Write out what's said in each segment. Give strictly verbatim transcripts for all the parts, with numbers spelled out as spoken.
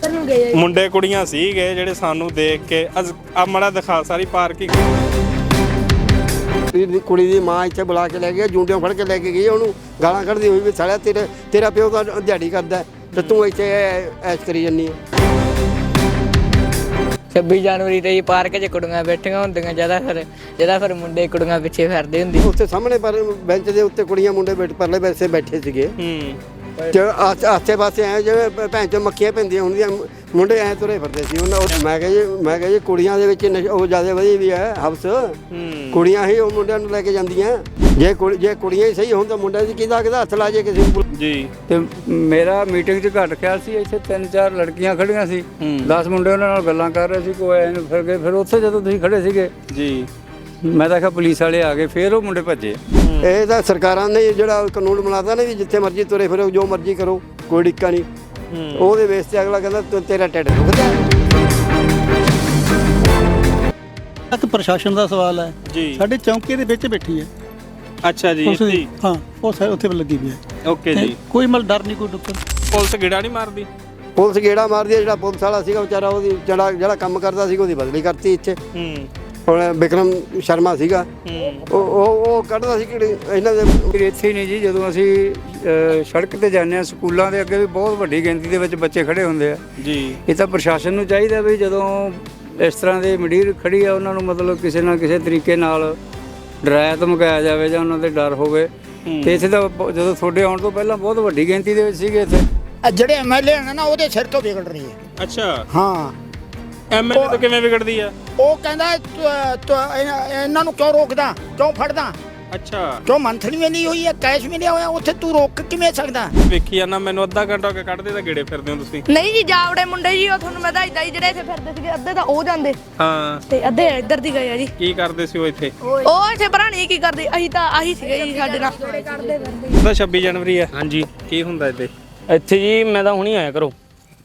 ਮੁੰਡੇ ਕੁੜੀਆਂ ਸੀਗੇ ਜਿਹੜੇ ਸਾਨੂੰ ਦੇਖ ਕੇ ਆ ਮੜਾ ਦਿਖਾ ਸਾਰੀ ਪਾਰਕਿੰਗ। ਕੁੜੀ ਦੀ ਮਾਂ ਇੱਥੇ ਬੁਲਾ ਕੇ ਲੈ ਗਈ, ਜੁੰਡਿਆਂ ਫੜ ਕੇ ਲੈ ਕੇ ਗਈ, ਉਹਨੂੰ ਗਾਲਾਂ ਕੱਢਦੀ ਹੋਈ ਵੀ ਸਾਲਿਆ ਤੇਰੇ ਤੇਰਾ ਪਿਓ ਤਾਂ ਦਿਹਾੜੀ ਕਰਦਾ ਤੇ ਤੂੰ ਇੱਥੇ ਐਸ਼ ਕਰੀ ਜੰਨੀ ਆ। ਛੱਬੀ ਜਨਵਰੀ ਤੇ ਜੀ ਪਾਰਕ 'ਚ ਕੁੜੀਆਂ ਬੈਠੀਆਂ ਹੁੰਦੀਆਂ, ਜਿਆਦਾ ਫਿਰ ਜਿਆਦਾ ਫਿਰ ਮੁੰਡੇ ਕੁੜੀਆਂ ਪਿੱਛੇ ਫਿਰਦੇ ਹੁੰਦੇ। ਉੱਥੇ ਸਾਹਮਣੇ ਪਰ ਬੈਂਚ ਦੇ ਉੱਤੇ ਕੁੜੀਆਂ ਮੁੰਡੇ ਬੈਠ ਪਰਲੇ ਪਾਸੇ ਬੈਠੇ ਸੀਗੇ ਤੇ ਆਸੇ ਪਾਸੇ ਐ ਜਿਵੇਂ ਭੈਣ ਚੋਂ ਮੱਖੀਆਂ ਪੈਂਦੀਆਂ ਹੁੰਦੀਆਂ, ਮੁੰਡੇ ਐ ਤੁਰੇ ਫਿਰਦੇ ਸੀ ਉਹਨਾਂ। ਮੈਂ ਕਿਹਾ ਜੀ ਮੈਂ ਕਿਹਾ ਜੀ ਕੁੜੀਆਂ ਦੇ ਵਿੱਚ ਉਹ ਜ਼ਿਆਦਾ ਵਧੀਆ ਵੀ ਹੈ ਹਵਸ, ਕੁੜੀਆਂ ਹੀ ਉਹ ਮੁੰਡਿਆਂ ਨੂੰ ਲੈ ਕੇ ਜਾਂਦੀਆਂ। ਜੇ ਕੁੜੀ ਜੇ ਕੁੜੀਆਂ ਹੀ ਸਹੀ ਹੋਣ ਤਾਂ ਮੁੰਡਿਆਂ ਦੀ ਕਿਹਦਾ ਕਿਹਦਾ ਹੱਥ ਲਾ ਜੇ ਕਿਸੇ ਨੂੰ ਜੀ। ਤੇ ਮੇਰਾ ਮੀਟਿੰਗ 'ਚ ਘੱਟ ਖਿਆਲ ਸੀ, ਇੱਥੇ ਤਿੰਨ ਚਾਰ ਲੜਕੀਆਂ ਖੜੀਆਂ ਸੀ, ਦਸ ਮੁੰਡੇ ਉਹਨਾਂ ਨਾਲ ਗੱਲਾਂ ਕਰ ਰਹੇ ਸੀ, ਕੋਈ ਐਨ ਫਿਰ ਗਏ। ਫਿਰ ਉੱਥੇ ਜਦੋਂ ਤੁਸੀਂ ਖੜੇ ਸੀਗੇ ਜੀ, ਮੈਂ ਤਾਂ ਕਿਹਾ ਪੁਲਿਸ ਵਾਲੇ ਆ ਗਏ, ਫਿਰ ਉਹ ਮੁੰਡੇ ਭੱਜੇ। ਇਹ ਤਾਂ ਸਰਕਾਰਾਂ ਨੇ ਜਿਹੜਾ ਕਾਨੂੰਨ ਬਣਾਤਾ ਨਾ ਵੀ ਜਿੱਥੇ ਮਰਜ਼ੀ ਤੁਰੇ ਫਿਰੋ, ਜੋ ਮਰਜ਼ੀ ਕਰੋ, ਕੋਈ ਡਿੱਕਾ ਨਹੀਂ। ਉਹਦੇ ਵੇਸ ਤੇ ਅਗਲਾ ਕਹਿੰਦਾ ਤੇਰਾ ਢਿੱਡ ਦੁਖਦਾ। ਇੱਕ ਪ੍ਰਸ਼ਾਸਨ ਦਾ ਸਵਾਲ ਹੈ ਜੀ। ਸਾਡੇ ਚੌਂਕੇ ਦੇ ਵਿੱਚ ਬੈਠੀ ਹੈ। ਅੱਛਾ ਜੀ, ਇੱਥੇ ਹਾਂ ਉਹ ਸਾਰੇ ਉੱਥੇ ਲੱਗੀ ਵੀ ਹੈ। ਓਕੇ ਜੀ। ਕੋਈ ਮਤਲਬ ਡਰ ਨਹੀਂ, ਕੋਈ ਡੁੱਕਰ। ਪੁਲਿਸ ਗੇੜਾ ਨਹੀਂ ਮਾਰਦੀ? ਪੁਲਿਸ ਗੇੜਾ ਮਾਰਦੀ ਹੈ। ਜਿਹੜਾ ਪੁਲਿਸ ਵਾਲਾ ਸੀਗਾ ਵਿਚਾਰਾ, ਉਹਦੀ ਜਿਹੜਾ ਜਿਹੜਾ ਕੰਮ ਕਰਦਾ ਸੀਗਾ ਉਹਦੀ ਬਦਲੀ ਕਰਤੀ ਇੱਥੇ। ਹੂੰ। ਹੁਣ ਵਿਕਰਮ ਸ਼ਰਮਾ ਸੀਗਾ, ਉਹ ਉਹ ਉਹ ਕੱਢਦਾ ਸੀ ਕਿ ਇਹਨਾਂ ਦੇ ਇੱਥੇ ਹੀ ਨਹੀਂ ਜੀ, ਜਦੋਂ ਅਸੀਂ ਸੜਕ ਤੇ ਜਾਂਦੇ ਹਾਂ, ਸਕੂਲਾਂ ਦੇ ਅੱਗੇ ਵੀ ਬਹੁਤ ਵੱਡੀ ਗਿਣਤੀ ਦੇ ਵਿੱਚ ਬੱਚੇ ਖੜੇ ਹੁੰਦੇ ਆ ਜੀ। ਇਹ ਤਾਂ ਪ੍ਰਸ਼ਾਸਨ ਨੂੰ ਚਾਹੀਦਾ ਵੀ ਜਦੋਂ ਇਸ ਤਰ੍ਹਾਂ ਦੇ ਮੰਡੀਰ ਖੜੀ ਆ, ਉਹਨਾਂ ਨੂੰ ਮਤਲਬ ਕਿਸੇ ਨਾ ਕਿਸੇ ਤਰੀਕੇ ਨਾਲ ਡਰਾਇਆ ਧਮਕਾਇਆ ਜਾਵੇ ਜਾਂ ਉਹਨਾਂ ਦੇ ਡਰ ਹੋਵੇ। ਤੇ ਇੱਥੇ ਤਾਂ ਜਦੋਂ ਤੁਹਾਡੇ ਆਉਣ ਤੋਂ ਪਹਿਲਾਂ ਬਹੁਤ ਵੱਡੀ ਗਿਣਤੀ ਦੇ ਵਿੱਚ ਸੀਗੇ ਇੱਥੇ। ਜਿਹੜੇ ਐਮਐਲਏ ਨੇ ਨਾ, ਉਹਦੇ ਸਿਰ ਤੋਂ ਵਿਗੜ ਰਹੀ ਹੈ। ਅੱਛਾ ਹਾਂ, ਐਮਐਲਏ ਤੋਂ ਕਿਵੇਂ ਵਿਗੜਦੀ ਆ? ਉਹ ਕਹਿੰਦਾ ਇਹਨਾਂ ਨੂੰ ਕਿਉਂ ਰੋਕਦਾ, ਕਿਉਂ ਫੜਦਾ? ਅੱਛਾ, ਕਿਉਂ ਮੰਥਲੀ ਮਿਲੀ ਹੋਈ ਹੈ, ਕੈਸ਼ ਮਿਲਿਆ ਹੋਇਆ, ਉੱਥੇ ਤੂੰ ਰੋਕ ਕਿਵੇਂ ਸਕਦਾ? ਵੇਖੀ ਜਾਂਦਾ ਮੈਨੂੰ ਅੱਧਾ ਘੰਟਾ ਹੋ ਕੇ ਕੱਢਦੇ ਤਾਂ ਗੇੜੇ ਫਿਰਦੇ ਹੋ ਤੁਸੀਂ। ਨਹੀਂ ਜੀ, ਜਾਵੜੇ ਮੁੰਡੇ ਜੀ ਉਹ ਤੁਹਾਨੂੰ ਮੈਂ ਦੱਸਦਾ ਜੀ, ਜਿਹੜੇ ਇੱਥੇ ਫਿਰਦੇ ਸੀਗੇ ਅੱਧੇ ਤਾਂ ਉਹ ਜਾਂਦੇ ਹਾਂ ਤੇ ਅੱਧੇ ਇੱਧਰ ਦੀ ਗਏ ਆ ਜੀ। ਕੀ ਕਰਦੇ ਸੀ ਉਹ ਇੱਥੇ? ਉਹ ਇੱਥੇ ਭਰਾਣੀ ਕੀ ਕਰਦੇ, ਅਸੀਂ ਤਾਂ ਆਹੀ ਸੀਗੇ ਜੀ ਸਾਡੇ ਨਾਲ। ਉਹਦਾ ਛੱਬੀ ਜਨਵਰੀ ਆ। ਹਾਂਜੀ, ਕੀ ਹੁੰਦਾ ਇੱਥੇ? ਇੱਥੇ ਜੀ ਮੈਂ ਤਾਂ ਹੁਣੀ ਆਇਆ ਕਰੋ।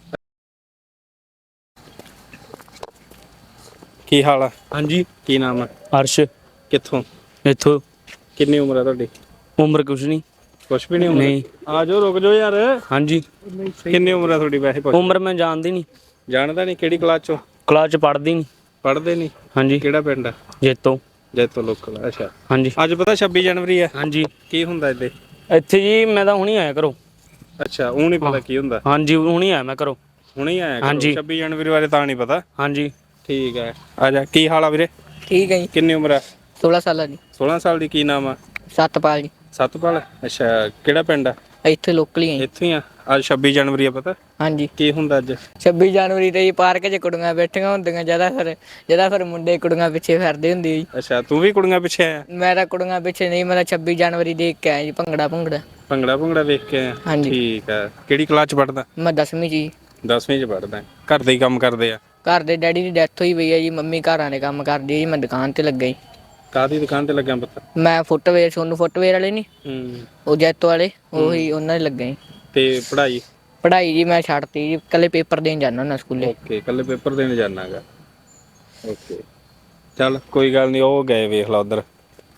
ਕੀ ਹਾਲ ਆ? ਹਾਂਜੀ, ਕੀ ਨਾਮ ਆ? ਅਰਸ਼। ਕਿੱਥੋਂ? ਇੱਥੋਂ। ਕਿੰਨੀ ਉਮਰ ਆ ਤੁਹਾਡੀ? ਉਮਰ ਕੁਛ ਨਹੀਂ। ਕੁਛ ਵੀ ਨਹੀਂ ਉਮਰ? ਨਹੀਂ। ਆ ਜਾਓ, ਰੁਕ ਜਾਓ ਯਾਰ। ਹਾਂਜੀ। ਕਿੰਨੀ ਉਮਰ ਆ ਤੁਹਾਡੀ ਵੈਸੇ? ਉਮਰ ਮੈਂ ਜਾਣਦੀ ਨਹੀਂ। ਜਾਣਦਾ ਨਹੀਂ? ਕਿਹੜੀ ਕਲਾਸ ਚੋਂ? ਕਲਾਸ 'ਚ ਪੜ੍ਹਦੀ ਨਹੀਂ। ਪੜ੍ਹਦੇ ਨਹੀਂ? ਹਾਂਜੀ। ਕਿਹੜਾ ਪਿੰਡ ਆ? ਜੇਤੋ। ਜੇਤੋ ਲੋਕਲ। ਅੱਛਾ। ਹਾਂਜੀ। ਅੱਜ ਪਤਾ ਛੱਬੀ ਜਨਵਰੀ ਆ? ਹਾਂਜੀ। ਕੀ ਹੁੰਦਾ ਇੱਥੇ? ਇੱਥੇ ਜੀ ਮੈਂ ਤਾਂ ਹੁਣੀ ਆਇਆ ਕਰੋ। ਅੱਛਾ, ਉਹ ਨਹੀਂ ਪਤਾ ਕੀ ਹੁੰਦਾ? ਹਾਂਜੀ, ਹੁਣੀ ਆਇਆ ਮੈਂ ਕਰੋ। ਹੁਣੇ ਆਇਆ ਕਰੋ। ਹਾਂਜੀ। ਛੱਬੀ ਜਨਵਰੀ ਬਾਰੇ ਤਾਂ ਨਹੀਂ ਪਤਾ? ਹਾਂਜੀ। ਠੀਕ ਹੈ, ਆ ਜਾ। ਕੀ ਹਾਲ ਆ ਵੀਰੇ? ਠੀਕ ਹੈ ਜੀ। ਕਿੰਨੀ ਉਮਰ ਆ? ਸੋਲਾਂ ਸਾਲਾਂ ਦੀ। ਸੋਲਾਂ ਸਾਲ ਦੀ। ਕੀ ਨਾਮ ਆ? ਸਤਪਾਲ ਜੀ। ਸਤਪਾਲ। ਅੱਛਾ, ਕਿਹੜਾ ਪਿੰਡ ਆ? ਇੱਥੇ ਲੋਕਲ ਹੀ ਹੈ। ਇੱਥੇ ਹੀ ਆ। ਅੱਜ ਛੱਬੀ ਜਨਵਰੀ ਆ, ਪਤਾ? ਹਾਂਜੀ। ਕੀ ਹੁੰਦਾ ਅੱਜ? ਛੱਬੀ ਜਨਵਰੀ ਤੇ ਜੀ ਪਾਰਕ 'ਚ ਕੁੜੀਆਂ ਬੈਠੀਆਂ ਹੁੰਦੀਆਂ, ਜਿਆਦਾ ਫਿਰ ਜਿਆਦਾ ਫਿਰ ਮੁੰਡੇ ਕੁੜੀਆਂ ਪਿੱਛੇ ਫਿਰਦੇ ਹੁੰਦੇ ਜੀ। ਅੱਛਾ, ਤੂੰ ਵੀ ਕੁੜੀਆਂ ਪਿੱਛੇ ਆਇਆ? ਮੈਂ ਤਾਂ ਕੁੜੀਆਂ ਪਿੱਛੇ ਨਹੀਂ, ਮੈਂ ਤਾਂ ਛੱਬੀ ਜਨਵਰੀ ਦੇਖ ਕੇ ਆਇਆ ਜੀ। ਭੰਗੜਾ ਭੰਗੜਾ ਭੰਗੜਾ ਭੰਗੜਾ ਵੇਖ ਕੇ ਆਇਆ? ਹਾਂਜੀ। ਠੀਕ ਆ। ਕਿਹੜੀ ਕਲਾਸ ਚ ਪੜਦਾ? ਮੈਂ ਦਸਵੀਂ 'ਚ ਜੀ। ਦਸਵੀਂ ਚ ਪੜਦਾ। ਘਰ ਦੇ ਹੀ ਕੰਮ ਕਰਦੇ ਆ? ਘਰ ਦੇ ਡੈਡੀ ਦੀ ਡੈਥ ਹੋਈ ਪਈ ਹੈ ਜੀ, ਮੰਮੀ ਘਰਾਂ ਦੇ ਕੰਮ ਕਰਦੀ ਹੈ ਜੀ, ਮੈਂ ਦੁਕਾਨ ਤੇ ਲੱਗਾ ਜੀ। ਕਾਹਦੀ ਦੁਕਾਨ ਤੇ ਲੱਗਿਆ ਪੁੱਤ? ਮੈਂ ਫੁੱਟਵੇਅਰ, ਸੋਨੂੰ ਫੁੱਟਵੇਅਰ ਵਾਲੇ ਨਹੀਂ, ਹੂੰ, ਉਹ ਜੈਤੋ ਵਾਲੇ, ਉਹੀ ਉਹਨਾਂ ਦੇ ਲੱਗਾ ਜੀ। ਤੇ ਪੜ੍ਹਾਈ? ਪੜ੍ਹਾਈ ਜੀ ਮੈਂ ਛੱਡਤੀ ਜੀ, ਕੱਲੇ ਪੇਪਰ ਦੇਣ ਜਾਂਦਾ ਹੁੰਦਾ ਸਕੂਲੇ। ਓਕੇ, ਕੱਲੇ ਪੇਪਰ ਦੇਣ ਜਾਣਾਗਾ। ਓਕੇ, ਚੱਲ ਕੋਈ ਗੱਲ ਨਹੀਂ। ਉਹ ਗਏ, ਵੇਖ ਲਾ ਉਧਰ।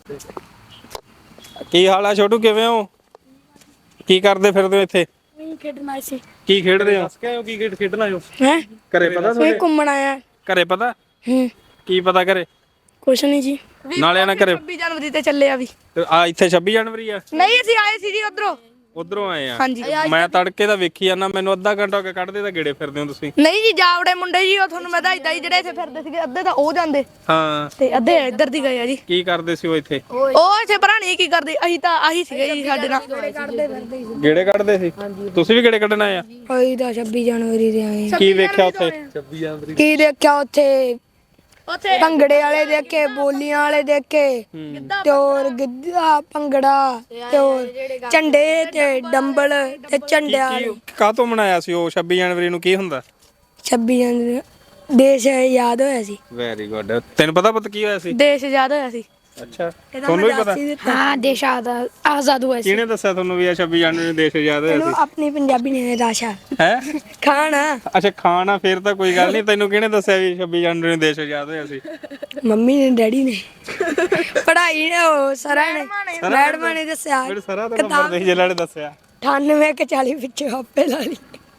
ਕੀ ਹਾਲ ਆ ਛੋਟੂ, ਕਿਵੇਂ ਹੋ? ਕੀ ਕਰਦੇ ਫਿਰਦੇ ਹੋ ਇੱਥੇ? ਖੇਡਣਾ ਸੀ। ਕੀ ਖੇਡ ਰਹੇ ਹੋ? ਦੱਸ ਕੇ ਆਇਓ ਕੀ ਖੇਡ ਖੇਡਣਾ ਆਇਓ? ਹੈ ਘਰੇ ਪਤਾ ਤੁਹਾਨੂੰ? ਘੁੰਮਣ ਆਇਆ। ਘਰੇ ਪਤਾ? ਹੂੰ। ਕੀ ਪਤਾ ਘਰੇ? ਕੁਛ ਨਹੀਂ ਜੀ। ਨਾਲੇ ਨਾ ਘਰੇ ਛੱਬੀ ਜਨਵਰੀ ਤੇ ਚੱਲੇ ਆ ਵੀ। ਆ ਇੱਥੇ ਛੱਬੀ ਜਨਵਰੀ ਆ? ਨਹੀਂ, ਅਸੀਂ ਆਏ ਸੀ ਜੀ ਉਧਰੋਂ। ਉਧਰੋਂ ਆਏ ਆ? ਹਾਂਜੀ। ਮੈਂ ਤੜਕੇ ਦਾ ਵੇਖੀ ਜਾਂਦਾ, ਮੈਨੂੰ ਅੱਧਾ ਘੰਟਾ ਹੋ ਕੇ ਕੱਢਦੇ ਤਾਂ ਗੇੜੇ ਫਿਰਦੇ ਹੋ ਤੁਸੀਂ। ਨਹੀਂ ਜੀ, ਜਾਵੜੇ ਮੁੰਡੇ ਜੀ ਉਹ ਤੁਹਾਨੂੰ ਮੈਂ ਦੱਸਦਾ ਜੀ, ਜਿਹੜੇ ਇੱਥੇ ਫਿਰਦੇ ਸੀਗੇ ਅੱਧੇ ਤਾਂ ਉਹ ਜਾਂਦੇ ਹਾਂ ਤੇ ਅੱਧੇ ਇੱਧਰ ਦੀ ਗਏ ਆ ਜੀ। ਕੀ ਕਰਦੇ ਸੀ ਉਹ ਇੱਥੇ? ਉਹ ਇੱਥੇ ਭਰਾਣੀ ਕੀ ਕਰਦੇ, ਅਸੀਂ ਤਾਂ ਆਹੀ ਸੀਗੇ ਜੀ ਸਾਡੇ ਨਾਲ। ਗੇੜੇ ਕੱਢਦੇ ਸੀ? ਤੁਸੀਂ ਵੀ ਗੇੜੇ ਕੱਢਣ ਆਏ ਆ? ਅਸੀਂ ਤਾਂ ਛੱਬੀ ਜਨਵਰੀ ਦੇ ਆਏ। ਕੀ ਵੇਖਿਆ ਉੱਥੇ? ਕੀ ਦੇਖਿਆ ਉੱਥੇ? ਉੱਥੇ ਭੰਗੜੇ ਵਾਲੇ ਦੇਖੇ, ਬੋਲੀਆਂ ਵਾਲੇ ਦੇਖੇ, ਤੇ ਹੋਰ ਗਿੱਧਾ ਭੰਗੜਾ, ਤੇ ਹੋਰ ਝੰਡੇ ਤੇ ਡੰਬਲ ਤੇ ਝੰਡਿਆਂ ਵਾਲੇ। ਕਾਹਤੋਂ ਮਨਾਇਆ ਸੀ ਉਹ ਛੱਬੀ ਜਨਵਰੀ ਨੂੰ? ਕੀ ਹੁੰਦਾ? ਛੱਬੀ ਜਨਵਰੀ ਦੇਸ਼ ਯਾਦ ਹੋਇਆ ਸੀ। Very good. ਤੈਨੂੰ ਪਤਾ ਪਤਾ ਕੀ ਹੋਇਆ ਸੀ? ਦੇਸ਼ ਆਜ਼ਾਦ ਹੋਇਆ ਸੀ। ਅੱਛਾ, ਤੁਹਾਨੂੰ ਵੀ ਪਤਾ? ਹਾਂ, ਦੇਸ਼ ਆਜ਼ਾਦ ਹੋਇਆ ਸੀ। ਕਿਹਨੇ ਦੱਸਿਆ ਤੁਹਾਨੂੰ ਵੀ ਇਹ ਛੱਬੀ ਜਨਵਰੀ ਨੂੰ ਦੇਸ਼ ਆਜ਼ਾਦ ਹੋਇਆ ਸੀ? ਆਪਣੀ ਪੰਜਾਬੀ ਨੇ ਰਾਸ਼ਾ ਹੈ ਖਾਣਾ। ਅੱਛਾ, ਖਾਣਾ। ਫੇਰ ਤਾਂ ਕੋਈ ਗੱਲ ਨਹੀਂ। ਤੈਨੂੰ ਕਿਹਨੇ ਦੱਸਿਆ ਵੀ ਛੱਬੀ ਜਨਵਰੀ ਨੂੰ ਦੇਸ਼ ਆਜ਼ਾਦ ਹੋਇਆ ਸੀ? ਮੰਮੀ ਨੇ, ਡੈਡੀ ਨੇ, ਪੜ੍ਹਾਈ ਨੇ, ਉਹ ਸਰਾਂ ਨੇ, ਮੈਡਮਾਂ ਨੇ ਦੱਸਿਆ। ਮੇਰੇ ਸਰਾ ਦਾ ਨੰਬਰ ਦੇ ਜਿਹੜਾ ਨੇ ਦੱਸਿਆ। ਅਠਾਨਵੇਂ ਕੇ ਚਾਲੀ ਪਿੱਛੇ ਆਪੇ ਲਾ ਲਈ।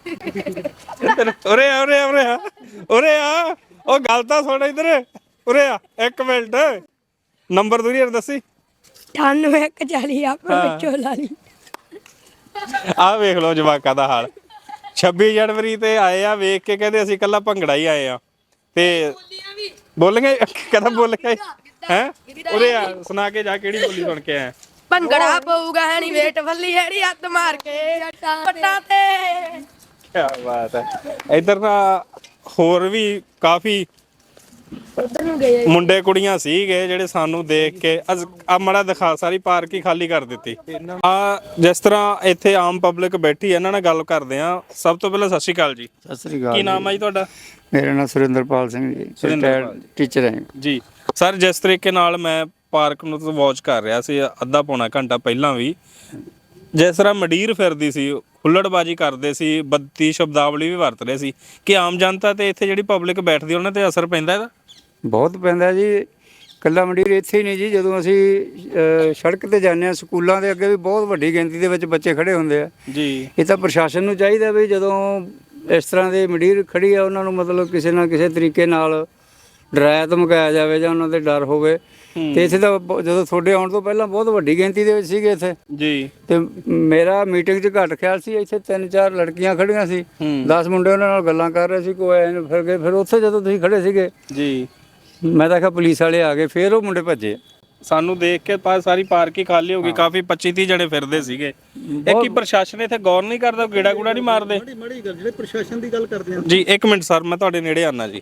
ਇੱਧਰ ਉਰੇ ਆ ਉਰੇ ਆ ਉਰੇ ਆ ਉਰੇ ਆ ਉਹ ਗੱਲ ਤਾਂ ਸੁਣ ਇੱਧਰ ਉਰੇ ਆ ਇੱਕ ਮਿੰਟ ਨੰਬਰ ਦੂਰੀ ਯਾਰ ਦੱਸੀ ਅਠਾਨਵੇਂ ਇੱਕ ਚਾਲੀ ਆਪਣੇ ਵਿੱਚੋਂ ਲਾ ਲਈ ਆਹ ਵੇਖ ਲਓ ਜਵਾਕਾਂ ਦਾ ਹਾਲ ਛੱਬੀ ਜਨਵਰੀ ਤੇ ਆਏ ਆ ਵੇਖ ਕੇ ਕਹਿੰਦੇ ਅਸੀਂ ਕੱਲਾ ਭੰਗੜਾ ਹੀ ਆਏ ਆ ਤੇ ਬੋਲਣਗੇ ਕਦੋਂ ਬੋਲਣਗੇ ਹੈ ਉਰੇ ਆ ਸੁਣਾ ਕੇ ਜਾ ਕਿਹੜੀ ਬੋਲੀ ਸੁਣ ਕੇ ਆਇਆ ਭੰਗੜਾ ਪਊਗਾ ਹੈ ਨਹੀਂ ਵੇਟ ਫੱਲੀ ਹੈੜੀ ਹੱਥ ਮਾਰ ਕੇ ਪੱਟਾਂ ਤੇ ਕੀ ਬਾਤ ਹੈ ਇੱਧਰ ਨਾ ਹੋਰ ਵੀ ਕਾਫੀ ਮੁੰਡੇ ਕੁੜੀਆਂ ਸੀਗੇ ਜਿਹੜੇ ਸਾਨੂੰ ਦੇਖ ਕੇ ਆ ਮੜਾ ਦਿਖਾ ਸਾਰੀ ਪਾਰਕ ਹੀ ਖਾਲੀ ਕਰ ਦਿੱਤੀ ਆ ਜਿਸ ਤਰ੍ਹਾਂ ਇੱਥੇ ਆਮ ਪਬਲਿਕ ਬੈਠੀ ਇਹਨਾਂ ਨਾਲ ਗੱਲ ਕਰਦੇ ਆ ਸਭ ਤੋਂ ਪਹਿਲਾਂ ਸਤਿ ਸ਼੍ਰੀ ਅਕਾਲ ਜੀ ਸਤਿ ਸ੍ਰੀ ਅਕਾਲ ਕੀ ਨਾਮ ਹੈ ਜੀ ਤੁਹਾਡਾ ਮੇਰਾ ਨਾਮ ਸੁਰਿੰਦਰਪਾਲ ਸਿੰਘ ਜੀ ਰਿਟਾਇਰਡ ਟੀਚਰ ਹਾਂ ਜੀ ਸਰ ਜਿਸ ਤਰੀਕੇ ਨਾਲ ਮੈਂ ਪਾਰਕ ਨੂੰ ਵਾਚ ਕਰ ਰਿਹਾ ਸੀ ਅੱਧਾ ਪੌਣਾ ਘੰਟਾ ਪਹਿਲਾਂ ਵੀ ਜਿਸ ਤਰ੍ਹਾਂ ਮੰਡੀਰ ਫਿਰਦੀ ਸੀ ਹੁੱਲੜਬਾਜੀ ਕਰਦੇ ਸੀ ਬੱਤੀ ਸ਼ਬਦਾਵਲੀ ਵੀ ਵਰਤ ਰਹੇ ਸੀ ਕਿ ਆਮ ਜਨਤਾ ਤੇ ਇੱਥੇ ਜਿਹੜੀ ਪਬਲਿਕ ਬੈਠਦੀ ਉਹਨਾਂ ਤੇ ਅਸਰ ਪੈਂਦਾ ਇਹਦਾ ਬਹੁਤ ਪੈਂਦਾ ਜੀ ਕੱਲਾ ਮੰਡੀਰ ਇੱਥੇ ਹੀ ਨਹੀਂ ਜੀ ਜਦੋਂ ਅਸੀਂ ਅ, ਸੜਕ ਤੇ ਜਾਂਦੇ ਹਾਂ ਸਕੂਲਾਂ ਦੇ ਅੱਗੇ ਵੀ ਬਹੁਤ ਵੱਡੀ ਗਿਣਤੀ ਦੇ ਵਿੱਚ ਬੱਚੇ ਖੜੇ ਹੁੰਦੇ ਆ ਜੀ ਇਹ ਤਾਂ ਪ੍ਰਸ਼ਾਸਨ ਨੂੰ ਚਾਹੀਦਾ ਵੀ ਜਦੋਂ ਇਸ ਤਰ੍ਹਾਂ ਦੇ ਮੰਡੀਰ ਖੜੀ ਆ ਉਹਨਾਂ ਨੂੰ ਮਤਲਬ ਕਿਸੇ ਨਾ ਕਿਸੇ ਤਰੀਕੇ ਨਾਲ ਡਰਾਇਆ ਧਮਕਾਇਆ ਜਾਵੇ ਜਾਂ ਉਹਨਾਂ ਦੇ ਡਰ ਹੋਵੇ ਤੇ ਇੱਥੇ ਤਾਂ ਬ- ਜਦੋਂ ਤੁਹਾਡੇ ਆਉਣ ਤੋਂ ਪਹਿਲਾਂ ਬਹੁਤ ਵੱਡੀ ਗਿਣਤੀ ਦੇ ਵਿੱਚ ਸੀਗੇ ਇੱਥੇ ਜੀ ਤੇ ਮੇਰਾ ਮੀਟਿੰਗ 'ਚ ਘੱਟ ਖਿਆਲ ਸੀ ਇੱਥੇ ਤਿੰਨ ਚਾਰ ਲੜਕੀਆਂ ਖੜੀਆਂ ਸੀ ਦਸ ਮੁੰਡੇ ਉਹਨਾਂ ਨਾਲ ਗੱਲਾਂ ਕਰ ਰਹੇ ਸੀ ਕੋਈ ਐਂ ਨੂੰ ਫਿਰ ਗਏ ਫਿਰ ਉੱਥੇ ਜਦੋਂ ਤੁਸੀਂ ਖੜੇ ਸੀਗੇ ਜੀ ਮੈਂ ਤਾਂ ਕਿਹਾ ਪੁਲਿਸ ਵਾਲੇ ਆ ਗਏ ਫਿਰ ਉਹ ਮੁੰਡੇ ਭੱਜੇ ਸਾਨੂੰ ਦੇਖ ਕੇ ਪਾ ਸਾਰੀ ਪਾਰਕ ਹੀ ਖਾਲੀ ਹੋ ਗਈ ਕਾਫੀ ਪੱਚੀ ਤੀਹ ਜਣੇ ਫਿਰਦੇ ਸੀਗੇ ਇਹ ਕੀ ਪ੍ਰਸ਼ਾਸਨ ਇੱਥੇ ਗੌਰ ਨਹੀਂ ਕਰਦਾ ਗੇੜਾ ਗੂੜਾ ਨਹੀਂ ਮਾਰਦੇ ਬੜੀ ਮਾੜੀ ਗੱਲ ਜਿਹੜੇ ਪ੍ਰਸ਼ਾਸਨ ਦੀ ਗੱਲ ਕਰਦੇ ਆ ਜੀ ਇੱਕ ਮਿੰਟ ਸਰ ਮੈਂ ਤੁਹਾਡੇ ਨੇੜੇ ਆਨਾ ਜੀ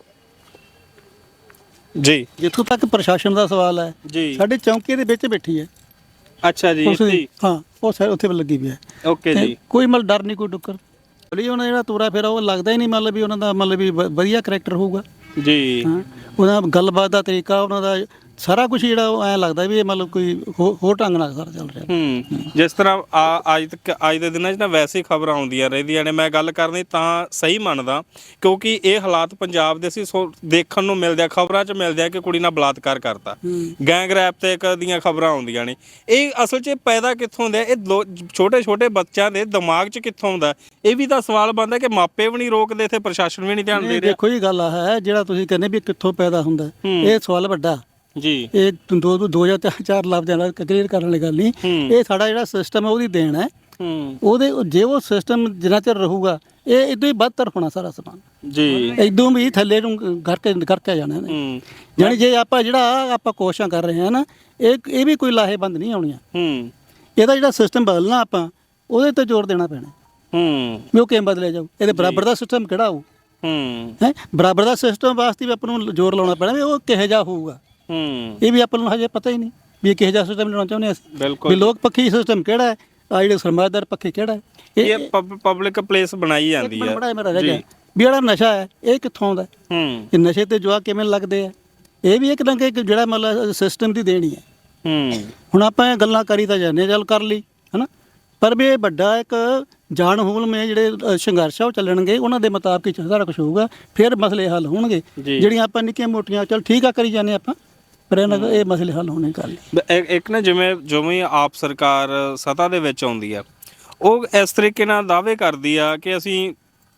ਜੀ ਜਿੱਥੋਂ ਤੱਕ ਪ੍ਰਸ਼ਾਸਨ ਦਾ ਸਵਾਲ ਹੈ ਜੀ ਸਾਡੇ ਚੌਂਕੇ ਦੇ ਵਿੱਚ ਬੈਠੀ ਹੈ ਅੱਛਾ ਜੀ ਉਸ ਦੀ ਹਾਂ ਉਹ ਸਾਰੇ ਉੱਥੇ ਲੱਗੀ ਵੀ ਹੈ ਓਕੇ ਤੇ ਜੀ ਕੋਈ ਮਤਲਬ ਡਰ ਨਹੀਂ ਕੋਈ ਡੁੱਕਰ ਬਲੀ ਉਹਨਾਂ ਦਾ ਜਿਹੜਾ ਤੋਰਾ ਫੇਰਾ ਉਹ ਲੱਗਦਾ ਹੀ ਨਹੀਂ ਮਤਲਬ ਵੀ ਉਹਨਾਂ ਦਾ ਮਤਲਬ ਵੀ ਵ- ਵਧੀਆ ਕਰੈਕਟਰ ਹੋਊਗਾ ਜੀ ਹਾਂ ਉਹਦਾ ਗੱਲਬਾਤ ਦਾ ਤਰੀਕਾ ਉਹਨਾਂ ਦਾ ਸਾਰਾ ਕੁਝ ਜਿਹੜਾ ਉਹ ਐਂ ਲੱਗਦਾ ਵੀ ਇਹ ਮਤਲਬ ਕੋਈ ਹੋ- ਹੋਰ ਢੰਗ ਨਾਲ ਸਾਰਾ ਚੱਲ ਰਿਹਾ ਹੂੰ ਜਿਸ ਤਰ੍ਹਾਂ ਆ ਅੱਜ ਤੱਕ ਅੱਜ ਦੇ ਦਿਨਾਂ 'ਚ ਨਾ ਵੈਸੇ ਹੀ ਖਬਰਾਂ ਆਉਂਦੀਆਂ ਰਹਿੰਦੀਆਂ ਨੇ ਮੈਂ ਗੱਲ ਕਰਨੀ ਤਾਂ ਸਹੀ ਮੰਨਦਾ ਕਿਉਂਕਿ ਇਹ ਹਾਲਾਤ ਪੰਜਾਬ ਦੇ ਸੀ ਸੋ ਦੇਖਣ ਨੂੰ ਮਿਲਦੇ ਆ ਖਬਰਾਂ 'ਚ ਮਿਲਦੇ ਆ ਕਿ ਕੁੜੀ ਨਾਲ ਬਲਾਤਕਾਰ ਕਰਤਾ ਗੈਂਗ ਰੈਪ ਤੇ ਇੱਕ ਦੀਆਂ ਖਬਰਾਂ ਆਉਂਦੀਆਂ ਨੇ ਇਹ ਅਸਲ 'ਚ ਇਹ ਪੈਦਾ ਕਿੱਥੋਂ ਹੁੰਦਾ ਇਹ ਛੋਟੇ ਛੋਟੇ ਬੱਚਿਆਂ ਦੇ ਦਿਮਾਗ 'ਚ ਕਿੱਥੋਂ ਹੁੰਦਾ ਇਹ ਵੀ ਤਾਂ ਸਵਾਲ ਬਣਦਾ ਕਿ ਮਾਪੇ ਵੀ ਨਹੀਂ ਰੋਕਦੇ ਇੱਥੇ ਪ੍ਰਸ਼ਾਸਨ ਵੀ ਨਹੀਂ ਧਿਆਨ ਦੇ ਰਿਹਾ ਦੇਖੋ ਇਹ ਗੱਲ ਆ ਹੈ ਜਿਹੜਾ ਤੁਸੀਂ ਕਹਿੰਦੇ ਵੀ ਕਿੱਥੋਂ ਪੈਦਾ ਹੁੰਦਾ ਇਹ ਸਵਾਲ ਵੱਡਾ ਜੀ ਇਹ ਦੋ ਦੋ ਜਾਂ ਤਿੰਨ ਚਾਰ ਲਫ਼ਜ਼ਾਂ ਨਾਲ ਕਲੀਅਰ ਕਰਨ ਵਾਲੀ ਗੱਲ ਨਹੀਂ ਇਹ ਸਾਡਾ ਜਿਹੜਾ ਸਿਸਟਮ ਹੈ ਉਹਦੀ ਦੇਣ ਹੈ ਹੂੰ ਉਹਦੇ ਜੇ ਉਹ ਸਿਸਟਮ ਜਿੰਨਾ ਚਿਰ ਰਹੂਗਾ ਇਹ ਇਦੋਂ ਹੀ ਬਦਤਰ ਹੋਣਾ ਸਾਰਾ ਸਮਾਨ ਜੀ ਇਦੋਂ ਵੀ ਥੱਲੇ ਨੂੰ ਕਰਕੇ ਕਰਕੇ ਜਾਣਾ ਨੇ ਹੂੰ ਯਾਨੀ ਜੇ ਆਪਾਂ ਜਿਹੜਾ ਆਪਾਂ ਕੋਸ਼ਿਸ਼ਾਂ ਕਰ ਰਹੇ ਹਾਂ ਨਾ ਇਹ ਇਹ ਵੀ ਕੋਈ ਲਾਹੇਬੰਦ ਨਹੀਂ ਆਉਣੀਆਂ ਹੂੰ ਇਹਦਾ ਜਿਹੜਾ ਸਿਸਟਮ ਬਦਲਣਾ ਆਪਾਂ ਉਹਦੇ ਤੇ ਜ਼ੋਰ ਦੇਣਾ ਪੈਣਾ ਹੂੰ ਵੀ ਉਹ ਕਿਵੇਂ ਬਦਲਿਆ ਜਾਊ ਇਹਦੇ ਬਰਾਬਰ ਦਾ ਸਿਸਟਮ ਕਿਹੜਾ ਹੋਊ ਹੂੰ ਹੈ ਬਰਾਬਰ ਦਾ ਸਿਸਟਮ ਵਾਸਤੇ ਵੀ ਆਪਾਂ ਨੂੰ ਜ਼ੋਰ ਲਾਉਣਾ ਪੈਣਾ ਵੀ ਉਹ ਕਿਹੋ ਜਿਹਾ ਹੋਊਗਾ ਹੂੰ ਇਹ ਵੀ ਆਪਾਂ ਨੂੰ ਹਜੇ ਪਤਾ ਹੀ ਨਹੀਂ ਵੀ ਇਹ ਕਿਹੋ ਜਿਹਾ ਸਿਸਟਮ ਲੈਣਾ ਚਾਹੁੰਦੇ ਅਸੀਂ ਬਿਲਕੁਲ ਵੀ ਲੋਕ ਪੱਖੀ ਸਿਸਟਮ ਕਿਹੜਾ ਹੈ ਆ ਜਿਹੜੇ ਸਰਮਾਏਦਾਰ ਪੱਖੀ ਕਿਹੜਾ ਹੈ ਇਹ ਪਬਲਿਕ ਪਲੇਸ ਬਣਾਈ ਜਾਂਦੀ ਹੈ ਬੜਾ ਮੇਰਾ ਰਹਿ ਗਿਆ ਵੀ ਜਿਹੜਾ ਨਸ਼ਾ ਹੈ ਇਹ ਕਿੱਥੋਂ ਆਉਂਦਾ ਹੂੰ ਇਹ ਨਸ਼ੇ ਤੇ ਜਵਾਕ ਕਿਵੇਂ ਲੱਗਦੇ ਆ ਇਹ ਵੀ ਇੱਕ ਨਾ ਕਿ ਜਿਹੜਾ ਮਤਲਬ ਸਿਸਟਮ ਦੀ ਦੇਣੀ ਹੈ ਹੂੰ ਹੁਣ ਆਪਾਂ ਇਹ ਗੱਲਾਂ ਕਰੀ ਤਾਂ ਜਾਂਦੇ ਚੱਲ ਕਰ ਲਈ ਹਨਾ ਪਰ ਵੀ ਇਹ ਵੱਡਾ ਇੱਕ ਜਾਨ ਹੂਲਮੇ ਜਿਹੜੇ ਅ, ਸੰਘਰਸ਼ ਆ ਉਹ ਚੱਲਣਗੇ ਉਹਨਾਂ ਦੇ ਮੁਤਾਬਕ ਹੀ ਸਾਰਾ ਕੁਝ ਹੋਊਗਾ ਫਿਰ ਮਸਲੇ ਹੱਲ ਹੋਣਗੇ ਜਿਹੜੀਆਂ ਆਪਾਂ ਨਿੱਕੀਆਂ ਮੋਟੀਆਂ ਚੱਲ ਠੀਕ ਆ ਕਰੀ ਜਾਂਦੇ ਆਪਾਂ ਪਰ ਇਹਨਾਂ ਦਾ ਇਹ ਮਸਲੇ ਹੱਲ ਹੋਣੇ ਕਰ ਲਈ ਇੱਕ ਇੱਕ ਨਾ ਜਿਵੇਂ ਜਿਵੇਂ ਆਪ ਸਰਕਾਰ ਸੱਤਾ ਦੇ ਵਿੱਚ ਆਉਂਦੀ ਆ ਉਹ ਇਸ ਤਰੀਕੇ ਨਾਲ ਦਾਅਵੇ ਕਰਦੀ ਆ ਕਿ ਅਸੀਂ